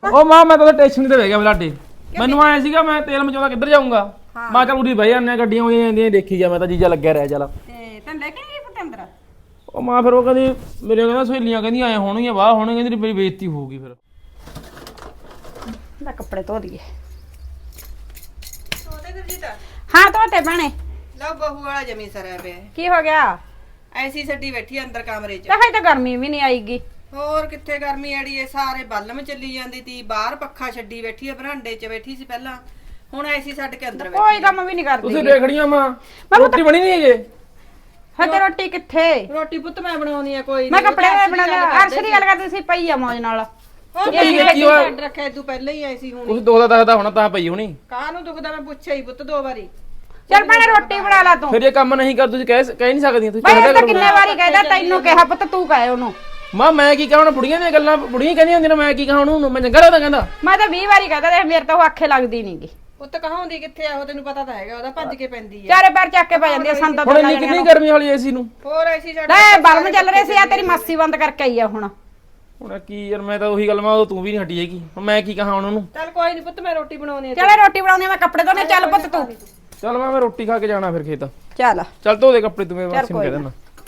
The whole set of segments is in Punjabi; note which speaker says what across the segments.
Speaker 1: ਉਹ ਮਾਂ ਮੈਂ ਤਾਂ ਸਟੇਸ਼ਨ ਤੇ ਬਹਿ ਗਿਆ ਬਲਾਡੇ ਮੈਨੂੰ ਆਇਆ ਸੀਗਾ ਮੈਂ ਤੇਲ ਮਚਾਉਂਦਾ ਕਿੱਧਰ ਜਾਊਂਗਾ ਮੈਂ ਚੱਲ ਉਰੀ ਬਹਿ ਜਾਂਦੇ ਗੱਡੀਆਂ ਹੋਈਆਂ ਜਾਂਦੀਆਂ ਦੇਖੀ ਜਾ ਮੈਂ ਤਾਂ ਜੀਜਾ ਲੱਗਿਆ ਰਿਹਾ ਚੱਲ
Speaker 2: ਤੇ ਤੈਨੂੰ ਲੈ ਕੇ ਨਹੀਂ ਗਈ ਪਤੰਦਰ
Speaker 1: ਉਹ ਮਾਂ ਫਿਰ ਉਹ ਕਹਿੰਦੀ ਮੇਰੇ ਕਹਿੰਦਾ ਸਹੇਲੀਆਂ ਕਹਿੰਦੀਆਂ ਆਏ ਹੋਣਗੀਆਂ ਵਾਹ ਹੋਣਗੇ ਕਹਿੰਦੀ ਮੇਰੀ ਬੇਇੱਜ਼ਤੀ ਹੋਊਗੀ ਫਿਰ
Speaker 2: ਦਾ ਕੱਪੜੇ ਧੋ ਦਈਏ
Speaker 3: ਉਹਦੇ ਗੁਰਜੀਤ
Speaker 2: ਹਾਂ ਧੋਤੇ ਭੈਣੇ
Speaker 3: ਲਓ ਬਹੂ ਵਾਲਾ ਜਮੀ ਸਰਿਆ ਪਿਆ ਹੈ।
Speaker 2: ਕੀ ਹੋ ਗਿਆ
Speaker 3: ਐਸੀ ਛੱਡੀ ਬੈਠੀ ਅੰਦਰ ਕਮਰੇ 'ਚ
Speaker 2: ਤਾਂ ਹਜੇ ਤਾਂ ਗਰਮੀ ਵੀ ਨਹੀਂ ਆਈਗੀ
Speaker 3: ਹੋਰ ਕਿੱਥੇ ਗਰਮੀ ਆੜੀ ਏ ਸਾਰੇ ਬੱਲਮ ਚੱਲੀ ਜਾਂਦੀ ਤੀ ਬਾਹਰ ਪੱਖਾ ਛੱਡੀ ਬੈਠੀ ਆ ਬਰਾਂਡੇ 'ਚ ਬੈਠੀ ਸੀ ਪਹਿਲਾਂ ਹੁਣ ਐਸੀ ਛੱਡ ਕੇ ਅੰਦਰ
Speaker 2: ਕੋਈ
Speaker 3: ਬੈਠੀ
Speaker 2: ਕੰਮ ਵੀ ਨਹੀਂ ਕਰਦੀ
Speaker 1: ਤੁਸੀਂ ਦੇਖੜੀਆਂ ਮਾਂ ਰੋਟੀ ਬਣੀ ਨਹੀਂ ਜੇ
Speaker 2: ਹਜੇ ਰੋਟੀ ਕਿੱਥੇ
Speaker 3: ਰੋਟੀ ਪੁੱਤ ਮੈਂ ਬਣਾਉਣੀ ਆ ਕੋਈ
Speaker 2: ਮੈਂ
Speaker 3: ਨੀ,
Speaker 2: ਕੱਪੜੇ
Speaker 3: ਉਹ ਤਾਂ
Speaker 2: ਬਣਾ ਲਿਆ ਅਰਸ਼ ਦੀ ਗੱਲ ਕਰਦੀ ਸੀ ਪਈ ਆ ਮੌਜ ਨਾਲ
Speaker 3: ਉਹ
Speaker 1: ਕੀ ਹੋਇਆ?
Speaker 3: ਛੱਡ ਰੱਖਿਆ ਤੂੰ ਪਹਿਲਾਂ ਹੀ ਐਸੀ
Speaker 1: ਕੁਛ
Speaker 3: ਹੋਣੀ
Speaker 1: ਦੋ ਦਾ ਦੱਸਦਾ ਹੋਣਾ ਤਾਂ ਪਈ ਹੋਣੀ
Speaker 3: ਕਾਹ ਨੂੰ ਦੁਖਦਾ ਮੈਂ ਪੁੱਛਿਆ ਹੀ ਪੁੱਤ 2 ਵਾਰੀ
Speaker 2: ਚੱਲ ਭੈਣੇ ਰੋਟੀ ਬਣਾ ਲਾ ਤੂੰ
Speaker 1: ਫਿਰ ਇਹ ਕੰਮ ਨਹੀਂ ਕਰ ਤੁਸੀਂ ਕਹਿ ਨਹੀਂ ਸਕਦੀਆਂ ਤੁਸੀਂ
Speaker 2: ਬਈ
Speaker 1: ਕਹਿ
Speaker 2: ਇਹ ਤਾਂ
Speaker 1: ਕਰੋ
Speaker 2: ਕਿੰਨੇ ਵਾਰੀ ਕਹਿਦਾ ਤੈਨੂੰ ਕਿਹਾ ਪੁੱਤ ਤੂੰ ਕਹੇ ਉਹਨੂੰ
Speaker 1: ਮਾਂ ਮੈਂ ਕੀ ਕਹਾਂ ਹੁਣ ਬੁੜੀਆਂ ਦੀਆਂ ਗੱਲਾਂ ਬੁੜੀਆਂ ਕਹਿੰਦੀਆਂ ਹੁੰਦੀਆਂ ਨੇ ਮੈਂ ਕੀ ਕਹਾਂ ਉਹਨੂੰ ਮੈਂ ਚੰਗਾ ਲੱਗਦਾ ਕਹਿੰਦਾ
Speaker 2: ਮੈਂ ਤਾਂ 20 ਵਾਰੀ ਕਹਿਦਾ ਦੇਖ ਮੇਰੇ ਤਾਂ ਉਹ ਆਖੇ ਲੱਗਦੀ ਨਹੀਂਗੀ
Speaker 3: ਪੁੱਤ ਕਹਾਉਂਦੀ ਕਿੱਥੇ ਆ ਉਹ ਤੈਨੂੰ ਪਤਾ ਤਾਂ ਹੈਗਾ ਉਹਦਾ ਭੱਜ ਕੇ ਪੈਂਦੀ ਆ
Speaker 2: ਚਾਰੇ ਪੈਰ ਚੱਕ ਕੇ ਪੈ ਜਾਂਦੀ ਆ ਸੰਦਾਂ
Speaker 1: ਹੁਣ ਇੰਨੀ ਕਿੰਨੀ ਗਰਮੀ ਵਾਲੀ ਏਸੀ ਨੂੰ
Speaker 3: ਹੋਰ ਐਸੀ ਛੱਡ
Speaker 2: ਲੈ ਬਲਮ ਚੱਲ ਰਹੇ ਸੀ ਆ ਤੇਰੀ ਮਾਸੀ ਬੰਦ ਕਰਕੇ ਆਈ ਆ ਹੁਣ
Speaker 1: ਹੁਣ ਕੀ ਯਾਰ ਮੈਂ ਤਾਂ ਉਹੀ ਗੱਲ ਮੈਂ ਤੂੰ ਵੀ ਨਹੀਂ ਹਟੀ ਹੈਗੀ ਹੁਣ ਮੈਂ ਕੀ ਕਹਾਂ ਉਹਨੂੰ
Speaker 3: ਚੱਲ ਕੋਈ ਨਹੀਂ ਪੁੱਤ ਮੈਂ ਰੋਟੀ ਬਣਾਉਣੀ ਆ
Speaker 2: ਚਲੇ ਰੋਟੀ ਬਣਾਉਣੀ ਆ ਮੈਂ ਕੱਪੜੇ ਧੋਣੇ ਚੱਲ ਪੁੱਤ ਤੂੰ
Speaker 1: ਚੱਲ ਮੈਂ ਰੋਟੀ ਖਾ ਕੇ ਜਾਣਾ ਫਿਰ ਖੇਤ
Speaker 2: ਚੱਲ
Speaker 1: ਚੱਲ ਧੋ ਦੇ ਕੱਪੜੇ ਤੂੰ ਮੇਰੇ
Speaker 2: ਚੱਲ
Speaker 1: ਮਾਸੀ ਨੂੰ
Speaker 2: ਕੋਈ
Speaker 1: ਕਹਿ ਦੇਣਾ